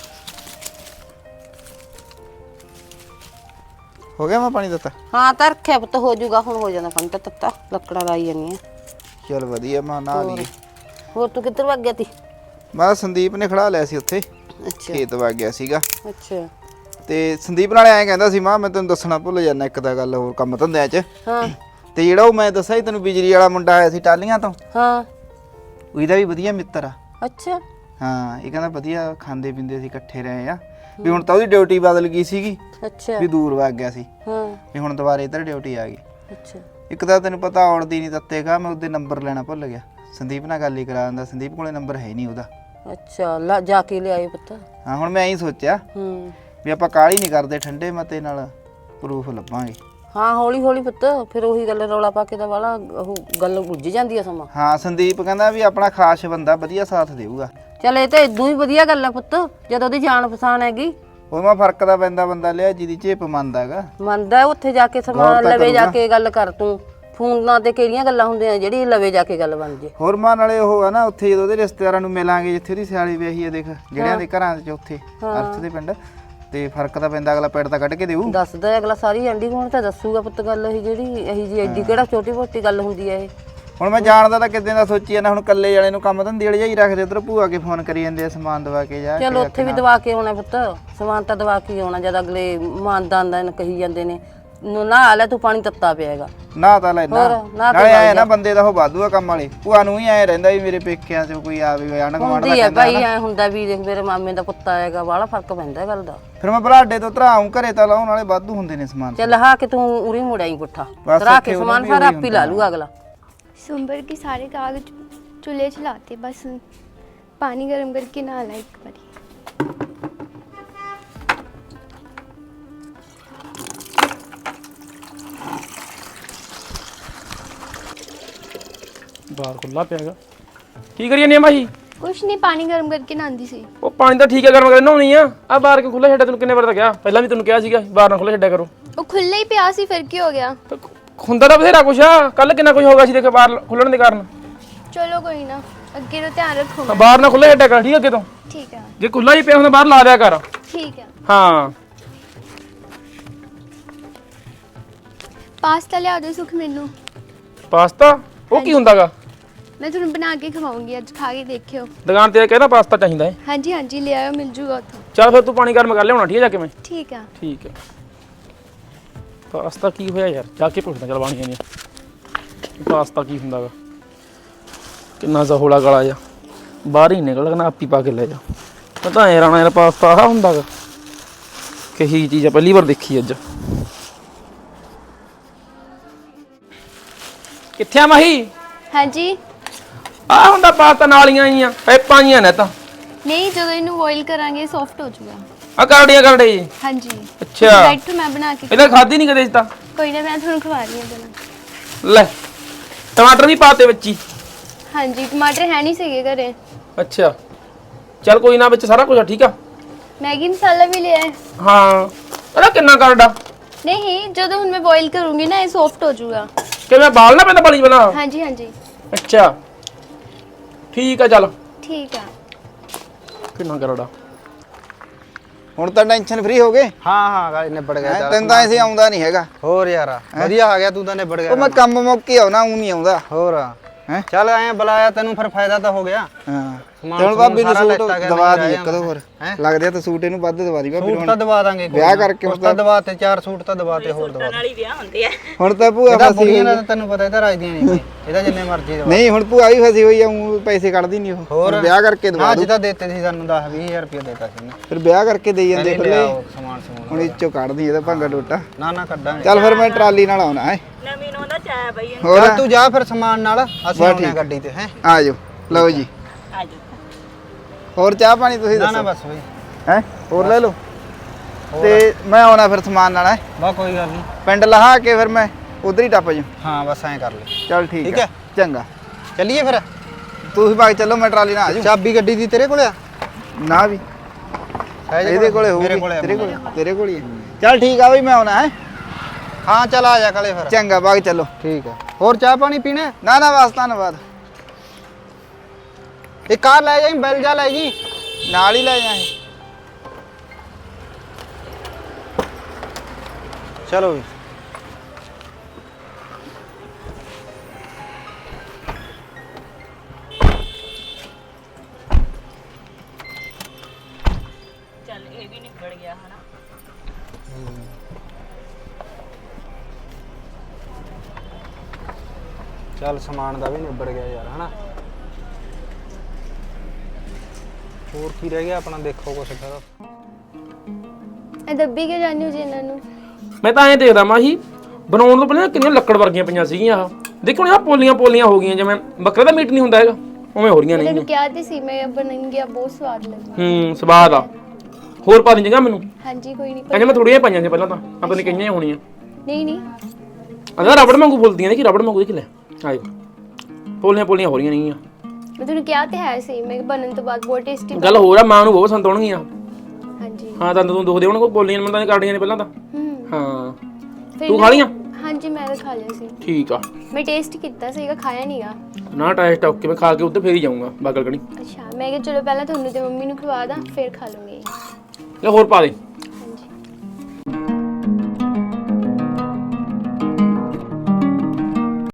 ਹੋ ਗਿਆ ਮੈਂ ਪਾਣੀ ਦਿੱਤਾ? ਹਾਂ ਤਾਂ ਰੱਖਿਆ ਪੁੱਤ, ਹੋ ਜਾਊਗਾ ਹੁਣ, ਹੋ ਜਾਂਦਾ ਪਾਣੀ ਤਾਂ ਤੱਤਾ। ਲੱਕੜਾਂ ਲਾਈ ਜਾਂਦੀਆਂ। ਚਲ ਵਧੀਆ, ਮੈਂ ਨਾ ਲਈ। ਹੋਰ ਤੂੰ ਕਿੱਧਰ ਵਗ ਗਿਆ ਤੀ? ਮੈਂ ਸੰਦੀਪ ਨੇ ਖੜਾ ਲਿਆ ਸੀ ਉੱਥੇ, ਅੱਛਾ ਖੇਤ ਵਗ ਗਿਆ ਸੀਗਾ। ਅੱਛਾ ਤੇ ਸੰਦੀਪ ਨਾਲ ਐਂ ਕਹਿੰਦਾ ਸੀ, ਮਾਂ ਮੈਂ ਤੈਨੂੰ ਦੱਸਣਾ ਭੁੱਲ ਜਾਂਦਾ ਇੱਕ ਤਾਂ ਗੱਲ ਹੋਰ ਕੰਮ ਧੰਦਿਆਂ 'ਚ। ਹਾਂ ਤੇ ਜਿਹੜਾ ਉਹ ਮੈਂ ਦੱਸਿਆ ਸੀ ਤੈਨੂੰ ਬਿਜਲੀ ਵਾਲਾ ਮੁੰਡਾ ਆਇਆ ਸੀ ਟਾਲੀਆਂ ਤੋਂ, ਹਾਂ ਉਹਦਾ ਵੀ ਵਧੀਆ ਮਿੱਤਰ ਆ। ਅੱਛਾ ਹਾਂ ਇਹ ਕਹਿੰਦਾ ਵਧੀਆ ਖਾਂਦੇ ਪੀਂਦੇ ਸੀ, ਇਕੱਠੇ ਰਹੇ ਆ। ਵੀ ਹੁਣ ਤਾਂ ਉਹਦੀ ਡਿਊਟੀ ਬਦਲ ਗਈ ਸੀਗੀ, ਅੱਛਾ ਵੀ ਦੂਰ ਵਗ ਗਿਆ ਸੀ। ਹਾਂ ਵੀ ਹੁਣ ਦੁਬਾਰੇ ਇੱਧਰ ਡਿਊਟੀ ਆ ਗਈ। ਅੱਛਾ ਇੱਕ ਤਾਂ ਤੈਨੂੰ ਪਤਾ ਔੜਦੀ ਨਹੀਂ ਤੱਤੇਗਾ, ਮੈਂ ਉਹਦੇ ਨੰਬਰ ਲੈਣਾ ਭੁੱਲ ਗਿਆ। ਸੰਦੀਪ ਨਾਲ ਗੱਲ ਹੀ ਕਰਾ ਦਿੰਦਾ, ਸੰਦੀਪ ਕੋਲੇ ਨੰਬਰ ਹੈ ਨਹੀਂ ਉਹਦਾ। ਅੱਛਾ ਲਾ ਜਾ ਕੇ ਲਿਆਏ ਪੁੱਤ। ਹਾਂ ਹੁਣ ਮੈਂ ਐਂ ਸੋਚਿਆ ਹੂੰ ਵੀ ਆਪਾਂ ਕਾਹਲੀ ਨਹੀਂ ਕਰਦੇ, ਠੰਡੇ ਮਤੇ ਨਾਲ ਪ੍ਰੂਫ ਲੱਭਾਂਗੇ। ਹਾਂ ਹੌਲੀ ਹੌਲੀ ਪੁੱਤ ਫਿਰ ਉਹੀ ਗੱਲ ਰੌਲਾ ਪਾ ਕੇ ਤਾਂ ਵਾਲਾ ਉਹ ਗੱਲ ਉੱਜ ਜਾਂਦੀ ਆ ਸਮਾਂ। ਹਾਂ ਸੰਦੀਪ ਕਹਿੰਦਾ ਵੀ ਆਪਣਾ ਖਾਸ ਬੰਦਾ ਵਧੀਆ ਸਾਥ ਦੇਊਗਾ। ਚੱਲ ਇਹ ਤਾਂ ਇਦੋਂ ਹੀ ਵਧੀਆ ਗੱਲ ਆ ਪੁੱਤ ਜਦੋਂ ਉਹਦੀ ਜਾਣ ਪਛਾਣ ਹੈਗੀ। ਉਹਦਾ ਫਰਕ ਦਾ ਪੈਂਦਾ ਬੰਦਾ ਲਿਆ ਜਿਹਦੀ ਝੇਪ ਮੰਨਦਾਗਾ। ਮੰਨਦਾ ਉੱਥੇ ਜਾ ਕੇ ਸਮਾਨ ਲਵੇ ਜਾ ਕੇ ਗੱਲ ਕਰ ਤੂੰ। ਫੋਨਾਂ ਤੇ ਕਿਹੜੀਆਂ ਗੱਲਾਂ ਹੁੰਦੀਆਂ ਜਿਹੜੀ ਲਵੇ ਜਾ ਕੇ ਗੱਲ ਬਣ ਜੇ। ਹੋਰ ਮਾਂ ਨਾਲੇ ਉਹ ਆ ਨਾ ਉੱਥੇ ਜਦੋਂ ਉਹਦੇ ਰਿਸ਼ਤੇਦਾਰਾਂ ਨੂੰ ਮਿਲਾਂਗੇ ਜਿੱਥੇ ਉਹਦੀ ਸਿਆਲੀ ਵਿਆਹੀ ਹੈ ਦੇਖ ਜਿਹੜਿਆਂ ਦੇ ਘਰਾਂ ਚ ਉੱਥੇ ਅਰਥ ਦੇ ਪਿੰਡ ਤੇ ਫਰਕ ਤਾਂ ਪੈਂਦਾ ਅਗਲਾ ਪੈੜ ਤਾਂ ਕੱਢ ਕੇ ਦੇਊ। ਦੱਸਦਾ ਅਗਲਾ ਸਾਰੀ ਆਂਢੀ ਗੁਆਂਢ ਤਾਂ ਦੱਸੂਗਾ ਪੁੱਤ ਗੱਲ ਇਹ ਜਿਹੜੀ ਇਹੀ ਜੀ ਐਡੀ ਕਿਹੜਾ ਛੋਟੀ ਮੋਟੀ ਗੱਲ ਹੁੰਦੀ ਹੈ ਇਹ। ਹੁਣ ਮੈਂ ਜਾਣਦਾ ਤਾਂ ਕਿੱਦਾਂ ਦਾ ਸੋਚੀ ਜਾਂਦਾ ਹੁਣ ਕੱਲੇ ਵਾਲੇ ਨੂੰ ਕੰਮ ਧੰਦੇ ਵਾਲੇ ਜਾਈ ਰੱਖਦੇ ਉਧਰ ਭੂਆ ਕੇ ਫੋਨ ਕਰੀ ਜਾਂਦੇ ਆ ਸਮਾਨ ਦਵਾ ਕੇ ਜਾ। ਚਲ ਉੱਥੇ ਵੀ ਦਵਾ ਕੇ ਆਉਣਾ ਪੁੱਤ ਸਮਾਨ ਤਾਂ ਦਵਾ ਕੇ ਆਉਣਾ ਜਦ ਅਗਲੇ ਮਾਨਦਾਨ ਦਾ ਕਹੀ ਜਾਂਦੇ ਨੇ ਨਾ ਲੈ ਤੂੰ ਪਾਣੀ ਤੱਤਾ ਪਿਆਗਾ ਨਾ ਤਾਂ ਲੈਣਾ ਨਾਲੇ ਆਏ ਨਾ ਬੰਦੇ ਦਾ ਉਹ ਵਾਧੂ ਆ ਕੰਮ ਵਾਲੇ ਭੂਆ ਨੂੰ ਹੀ ਐ ਰਹਿੰਦਾ ਵੀ ਮੇਰੇ ਪੇਕਿਆਂ ਚ ਕੋਈ ਆਵੇ ਆਣ ਗਵਾਂਡ ਦਾ ਕਹਿੰਦਾ ਭਾਈ ਐ ਹੁੰਦਾ ਵੀ ਦੇਖ ਮੇਰੇ ਮਾਮੇ ਦਾ ਪੁੱਤ ਆਏਗਾ ਬਾਹਲਾ ਫਰਕ ਪੈਂਦਾ ਗੱਲ ਦਾ। ਫਿਰ ਮੈਂ ਬਲਾਡੇ ਤੋਂ ਧਰਾਉਂ ਘਰੇ ਤਾਂ ਲਾਉਣ ਵਾਲੇ ਵਾਧੂ ਹੁੰਦੇ ਨੇ ਸਮਾਨ। ਚੱਲ ਹਾ ਕਿ ਤੂੰ ਉਰੀ ਮੁੜਾਈ ਪੁੱਠਾ ਧਰਾ ਕੇ ਸਮਾਨ ਸਾਰਾ ਆਪੀ ਲਾ ਲੂਗਾ ਅਗਲਾ। सुंबर के सारे कागज चूल्हे चलाते बस पानी गर्म करके नहाला एक बारी। ਬਾਹਰ ਖੁੱਲਾ ਪਿਆਗਾ ਕੀ ਕਰੀ ਜਾਂਦੀ ਆ ਮਾਹੀ? कुछ नहीं पानी गर्म करके नहांदी सी। ਉਹ ਪਾਣੀ ਤਾਂ ਠੀਕ ਹੈ ਗਰਮ ਕਰਕੇ ਨਹਾਉਣੀ ਆ ਆ ਬਾਹਰ ਕੇ ਖੁੱਲਾ ਛੱਡਿਆ ਤੈਨੂੰ ਕਿੰਨੇ ਵਾਰ ਤਾਂ ਕਿਹਾ ਪਹਿਲਾਂ ਵੀ ਤੈਨੂੰ ਕਿਹਾ ਸੀਗਾ ਬਾਹਰ ਨਾ ਖੁੱਲਾ ਛੱਡਿਆ ਕਰੋ। वो खुले ही पिया सी फिर की हो गया? ਹੁੰਦਾ ਤਾਂ ਬਥੇਰਾ ਕੁਛ ਆ ਕੱਲ ਕਿੰਨਾ ਕੁਛ ਹੋ ਗਿਆ ਸੀ ਦੇਖ ਬਾਹਰ ਖੁੱਲਣ ਦੇ ਕਾਰਨ। चलो कोई ना अगे तो ध्यान रखो। ਬਾਹਰ ਨਾ ਖੁੱਲਾ ਛੱਡਿਆ ਕਰ ਠੀਕ ਅੱਗੇ ਤੋਂ। ठीक है ਜੇ ਖੁੱਲਾ ਹੀ ਪਿਆ ਹੁੰਦਾ ਬਾਹਰ ਲਾ ਦਿਆ ਕਰ। ठीक है। ਹਾਂ पास्ता लिया दो सुख मैनू। ਪਾਸਤਾ ਉਹ ਕੀ ਹੁੰਦਾਗਾ? मैं तुहानू बना के खवाऊंगी अज खा के देखियो। ਦੁਕਾਨ ਤੇ ਕਹਿੰਦਾ ਪਾਸਤਾ ਚਾਹੀਦਾ ਹੈ। हाँ जी हाँ जी ले आयो मिल जूगा उत्थों। ਚੱਲ ਫਿਰ ਤੂੰ ਪਾਣੀ ਗਰਮ ਕਰ ਲਿਆਉਣਾ ਠੀਕ ਹੈ ਜਾ ਕੇ ਮੈਂ। ठीक है ਠੀਕ ਹੈ ਪਾਸਤਾ ਕੀ ਹੋਇਆ ਯਾਰ ਜਾ ਕੇ ਪੁੱਛਦਾ ਚਲ ਬਾਣੀਆਂ ਨੇ ਪਾਸਤਾ ਕੀ ਹੁੰਦਾਗਾ ਕਿੰਨਾ ਜ਼ਹੋਲਾ ਗਲਾ ਜਾ ਬਾਹਰ ਹੀ ਨਿਕਲ ਗਣਾ ਆਪੀ ਪਾ ਕੇ ਲੈ ਜਾ ਪਤਾ ਐ ਰਾਣਾ ਯਾਰ ਪਾਸਤਾ ਆ ਹੁੰਦਾਗਾ ਕਹੀ ਚੀਜ਼ ਆ ਪਹਿਲੀ ਵਾਰ ਦੇਖੀ ਅੱਜ। ਕਿੱਥੇ ਆ ਮਾਹੀ? हाँ जी ਆ ਹੁੰਦਾ ਪਾਸਤਾ ਨਾਲੀਆਂ ਆਈਆਂ ਪੈਪਾਂ ਆਈਆਂ ਨੇ ਤਾਂ नहीं जो इनू बॉईल करांगे सॉफ्ट हो जाएगा। ਆ ਕਰੜੀਆਂ ਕਰੜੇ ਜੀ। हाँ जी ਅੱਛਾ डायरेक्ट मैं बना के ਇਹਦਾ ਖਾਦੀ ਨਹੀਂ ਕਦੇ ਇਸ ਤਾਂ। कोई ना मैं थोड़ा खवा रही हूं बना। ਲੈ ਟਮਾਟਰ ਵੀ ਪਾਤੇ ਵਿੱਚ ਹੀ। हाँ जी टमाटर है नहीं सही घरे। ਅੱਛਾ ਚੱਲ ਕੋਈ ਨਾ ਵਿੱਚ ਸਾਰਾ ਕੁਝ ਆ ਠੀਕ ਆ। मैगी मसाला भी ले आए। ਹਾਂ ਇਹਦਾ ਕਿੰਨਾ ਕਰੜਾ? नहीं जो हुन मैं बॉईल करूंगी ना ये सॉफ्ट हो जाएगा। ਕਿ ਮੈਂ ਬਾਲ ਨਾ ਪੈਂਦਾ ਪਾਣੀ ਬਣਾ। हाँ जी हाँ जी ਅੱਛਾ ਠੀਕ ਆ ਚੱਲ ठीक है। ਕਿੰਨਾ ਕਰੜਾ? ਹੁਣ ਤਾਂ ਟੈਨਸ਼ਨ ਫ੍ਰੀ ਹੋ ਗਏ। ਹਾਂ ਹਾਂ ਗਾਲੀ ਨਿਬੜ ਗਿਆ ਚੱਲ। ਤੈਨੂੰ ਤਾਂ ਐਸੀ ਆਉਂਦਾ ਨਹੀਂ ਹੈਗਾ। ਹੋਰ ਯਾਰ ਵਧੀਆ ਆ ਗਿਆ ਤੂੰ ਤਾਂ ਨਿਬੜ ਗਿਆ। ਉਹ ਮੈਂ ਕੰਮ ਮੌਕੇ ਆਉਣਾ ਉਹ ਨਹੀਂ ਆਉਂਦਾ। ਹੋਰ ਹੈ ਚੱਲ ਐ ਬੁਲਾਇਆ ਤੈਨੂੰ ਫਿਰ ਫਾਇਦਾ ਤਾਂ ਹੋ ਗਿਆ। ਹਾਂ ਸਮਾਨ ਤੇ ਹੁਣ ਭਾਬੀ ਨੂੰ ਸਾਰਾ ਸੂਟ ਲੈਤਾ ਗਿਆ, ਦਵਾ ਨਹੀਂ ਦੀ ਰਹਿ ਕਦੋਂ ਹੋਰ ਲੱਗਦਾ ਤਾਂ ਸੂਟ ਇਹਨੂੰ ਵੱਧ ਦਵਾ ਦੀ ਭਾਬੀ ਸੂਟ ਨੂੰ ਤਾਂ ਦਵਾ ਦਾਂਗੇ ਕੋਈ ਵਿਆਹ ਨਾ। ਕਰਕੇ ਉਸ ਤਾਂ ਦਵਾ ਤੇ ਚਾਰ ਸੂਟ ਤਾਂ ਦਵਾ ਤੇ ਹੋਰ ਦਵਾ ਦੇ। ਹੁਣ ਤਾਂ ਭੂਆ ਇਹਦਾ ਫਸੀ ਹੋਈ ਬੁੜੀਆਂ ਆ। ਦਾ ਤੈਨੂੰ ਪਤਾ ਇਹਦਾ ਰਾਜਦੀਆਂ ਨਹੀਂ ਇਹਦਾ ਜਿੰਨੇ ਮਰਜ਼ੀ ਦਵਾ। ਨਹੀਂ ਹੁਣ ਭੂਆ ਵੀ ਫਸੀ ਹੋਈ ਆ ਊਂ ਪੈਸੇ ਕੱਢਦੀ ਨਹੀਂ ਉਹ ਹੋਰ ਹੁਣ ਵਿਆਹ ਕਰਕੇ ਦਵਾ ਅੱਜ ਦੂ ਤਾਂ ਦਿੱਤੇ ਸੀ ਸਾਨੂੰ ਦਸ ਵੀਹ ਹਜ਼ਾਰ ਰੁਪਏ ਦਿੱਤਾ ਸੀ ਨਾ। ਫਿਰ ਵਿਆਹ ਕਰਕੇ ਦੇਈ ਜਾਂਦੇ ਕਹਿੰਦੇ ਖੁੱਲੇ ਲਿਆਓ ਸਮਾਨ ਸਮੂਨ। ਹੁਣ ਇੱਚੋਂ ਕੱਢਦੀ ਇਹਦਾ ਭੰਗਾ ਟੋਟਾ। ਨਾ ਨਾ ਕੱਢਾਂਗੇ। ਚੱਲ ਫਿਰ ਮੈਂ ਟਰਾਲੀ ਨਾਲ ਆਉਣਾ ਹੈ ਨਵੀਂ ਨੂੰ ਦਾ ਚਾਹ ਬਈ ਹੋਰ ਚੱਲ ਤੂੰ ਜਾ ਫਿਰ ਸਮਾਨ ਨਾਲ ਅਸੀਂ ਆਉਣੇ ਆ ਗੱਡੀ ਤੇ ਹੈ। ਆ ਜਾਓ ਲਓ ਜੀ ਆ ਜਾ ਹੋਰ ਚਾਹ ਪਾਣੀ ਤੁਸੀਂ ਨਾ ਨਾ ਦੱਸੋ ਬਸ ਬਈ ਹੈ ਹੋਰ ਲੈ ਲਓ ਤੇ ਮੈਂ ਆਉਣਾ ਫਿਰ ਸਮਾਨ ਨਾਲ ਹੈ ਬਾ ਕੋਈ ਗੱਲ ਨਹੀਂ। ਪਿੰਡ ਲਹਾ ਕੇ ਫਿਰ ਮੈਂ ਉਧਰ ਹੀ ਟੱਪ ਜਾ। ਹਾਂ ਬਸ ਐਂ ਕਰ ਲੈ। ਚੱਲ ਠੀਕ ਠੀਕ ਹੈ ਹੈ। ਚੰਗਾ ਚੱਲੀਏ ਫਿਰ। ਤੁਸੀਂ ਬਾਗ ਚੱਲੋ ਮੈਂ ਟਰਾਲੀ ਨਾਲ ਆ ਜਾਊਂ। ਚਾਬੀ ਗੱਡੀ ਦੀ ਤੇਰੇ ਕੋਲ ਆ? ਨਾ ਵੀ ਸਹਿਜ ਇਹਦੇ ਕੋਲੇ ਹੋਊਗੀ ਮੇਰੇ ਕੋਲੇ ਆ ਤੇਰੇ ਕੋਲੇ ਤੇਰੇ ਕੋਲ ਹੀ ਹੈ। ਚੱਲ ਠੀਕ ਆ ਬਈ ਮੈਂ ਆਉਣਾ ਹੈ। ਹਾਂ ਚੱਲ ਆ ਜਾ ਕਾਲੇ ਫਿਰ। ਚੰਗਾ ਬਾਗ ਚੱਲੋ। ਠੀਕ ਹੈ। ਹੋਰ ਚਾਹ ਪਾਣੀ ਪੀਣਾ? ਨਾ ਨਾ ਬਸ ਧੰਨਵਾਦ। ਇਹ ਕਾਰ ਲੈ ਜਾਈਂ ਬੈਲ ਜਾ ਲੈ ਜੀ ਨਾਲ ਹੀ ਲੈ ਜਾਏ। ਚਲੋ ਵੀ। ਚੱਲ ਇਹ ਵੀ ਨਿਬੜ ਗਿਆ ਹਨਾ। ਚੱਲ ਸਮਾਨ ਦਾ ਵੀ ਨਿਬੜ ਗਿਆ ਯਾਰ ਹਨਾ। ਹੋਰ ਕੀ ਰਹਿ ਗਿਆ ਆਪਣਾ ਦੇਖੋ ਕੁਛ ਫਿਰ। ਇਹ ਦੱਬੀ ਕੇ ਜਾਣੀ ਹੋ ਜੀ ਇਹਨਾਂ ਨੂੰ। ਮੈਂ ਤਾਂ ਐਂ ਦੇਖਦਾ ਮਾਹੀ ਬਣਾਉਣ ਤੋਂ ਪਹਿਲਾਂ ਕਿੰਨੀਆਂ ਲੱਕੜ ਵਰਗੀਆਂ ਪਈਆਂ ਸੀਗੀਆਂ ਆਹ ਦੇਖੋ ਆ ਪੋਲੀਆਂ ਪੋਲੀਆਂ ਹੋ ਗਈਆਂ ਜਿਵੇਂ ਬੱਕਰੇ ਦਾ ਮੀਟ ਨਹੀਂ ਹੁੰਦਾ ਹੈਗਾ ਉਵੇਂ ਹੋ ਰਹੀਆਂ ਨੇ ਮੈਨੂੰ ਕਿਹਾ ਤੇ ਸੀ ਮੈਂ ਬਣਾਉਂਗੀ ਆ ਬਹੁਤ ਸਵਾਦ ਲੱਗਦਾ। ਹੂੰ ਸਵਾਦ ਆ ਹੋਰ ਪਾ ਦੀ ਜਗ੍ਹਾ ਮੈਨੂੰ। ਹਾਂਜੀ ਕੋਈ ਨਹੀਂ ਕਹਿੰਦੇ ਮੈਂ ਥੋੜੀਆਂ ਪਾਈਆਂ ਸੀ ਪਹਿਲਾਂ ਤਾਂ ਆਪਾਂ ਨੇ ਕਈਆਂ ਹੀ ਹੋਣੀਆਂ। ਨਹੀਂ ਨਹੀਂ ਅਗਰ ਰਬੜ ਵਾਂਗੂ ਫੁੱਲਦੀਆਂ ਨੇ ਕਿ ਰਬੜ ਵਾਂਗੂ ਦੇਖ ਲੈ ਆਇਓ ਪੋਲੀਆਂ ਪੋਲੀਆਂ ਹੋ ਰਹੀਆਂ ਨਹੀਂ ਆ ਮੈਂ ਤੁਹਾਨੂੰ ਕਿਹਾ ਤੇ ਹੈ ਸੀ ਮੈਂ ਬਣਨ ਤੋਂ ਬਾਅਦ ਬਹੁਤ ਟੇਸਟੀ ਗੱਲ ਹੋਰ ਆ ਮਾਂ ਨੂੰ ਬਹੁਤ ਪਸੰਦ ਆਉਣਗੀਆਂ ਹਾਂਜੀ ਹਾਂ ਤਾਂ ਤੂੰ ਦੁਖਦੇ ਹੋਣਗੇ ਪੋਲੀਆਂ ਮੈਨੂੰ ਤਾਂ ਕਰਦੀਆਂ ਨੇ ਪਹਿਲਾਂ ਤਾਂ ਹੂੰ ਹਾਂ ਫਿਰ ਤੂੰ ਨਾ- ਖਾ ਲੀਆਂ ਹਾਂਜੀ ਮੈਂ ਤਾਂ ਖਾ ਲਿਆ ਸੀ ਠੀਕ ਆ ਮੈਂ ਟੇਸਟ ਕੀਤਾ ਸੀਗਾ ਖਾਇਆ ਨਹੀਂਗਾ ਨਾ ਟੈਸਟ ਓਕੇ ਮੈਂ ਖਾ ਕੇ ਉੱਧਰ ਫੇਰ ਹੀ ਜਾਊਂਗਾ ਬਾਗਲ ਕਣੀ ਅੱਛਾ ਮੈਂ ਕਿਹਾ ਚਲੋ ਪਹਿਲਾਂ ਤੁਹਾਨੂੰ ਤੇ ਮੰਮੀ ਨੂੰ ਖਵਾ ਦਾਂ ਫਿਰ ਖਾ ਲੂੰਗੀ ਲੈ ਹੋਰ ਪਾ ਦੇ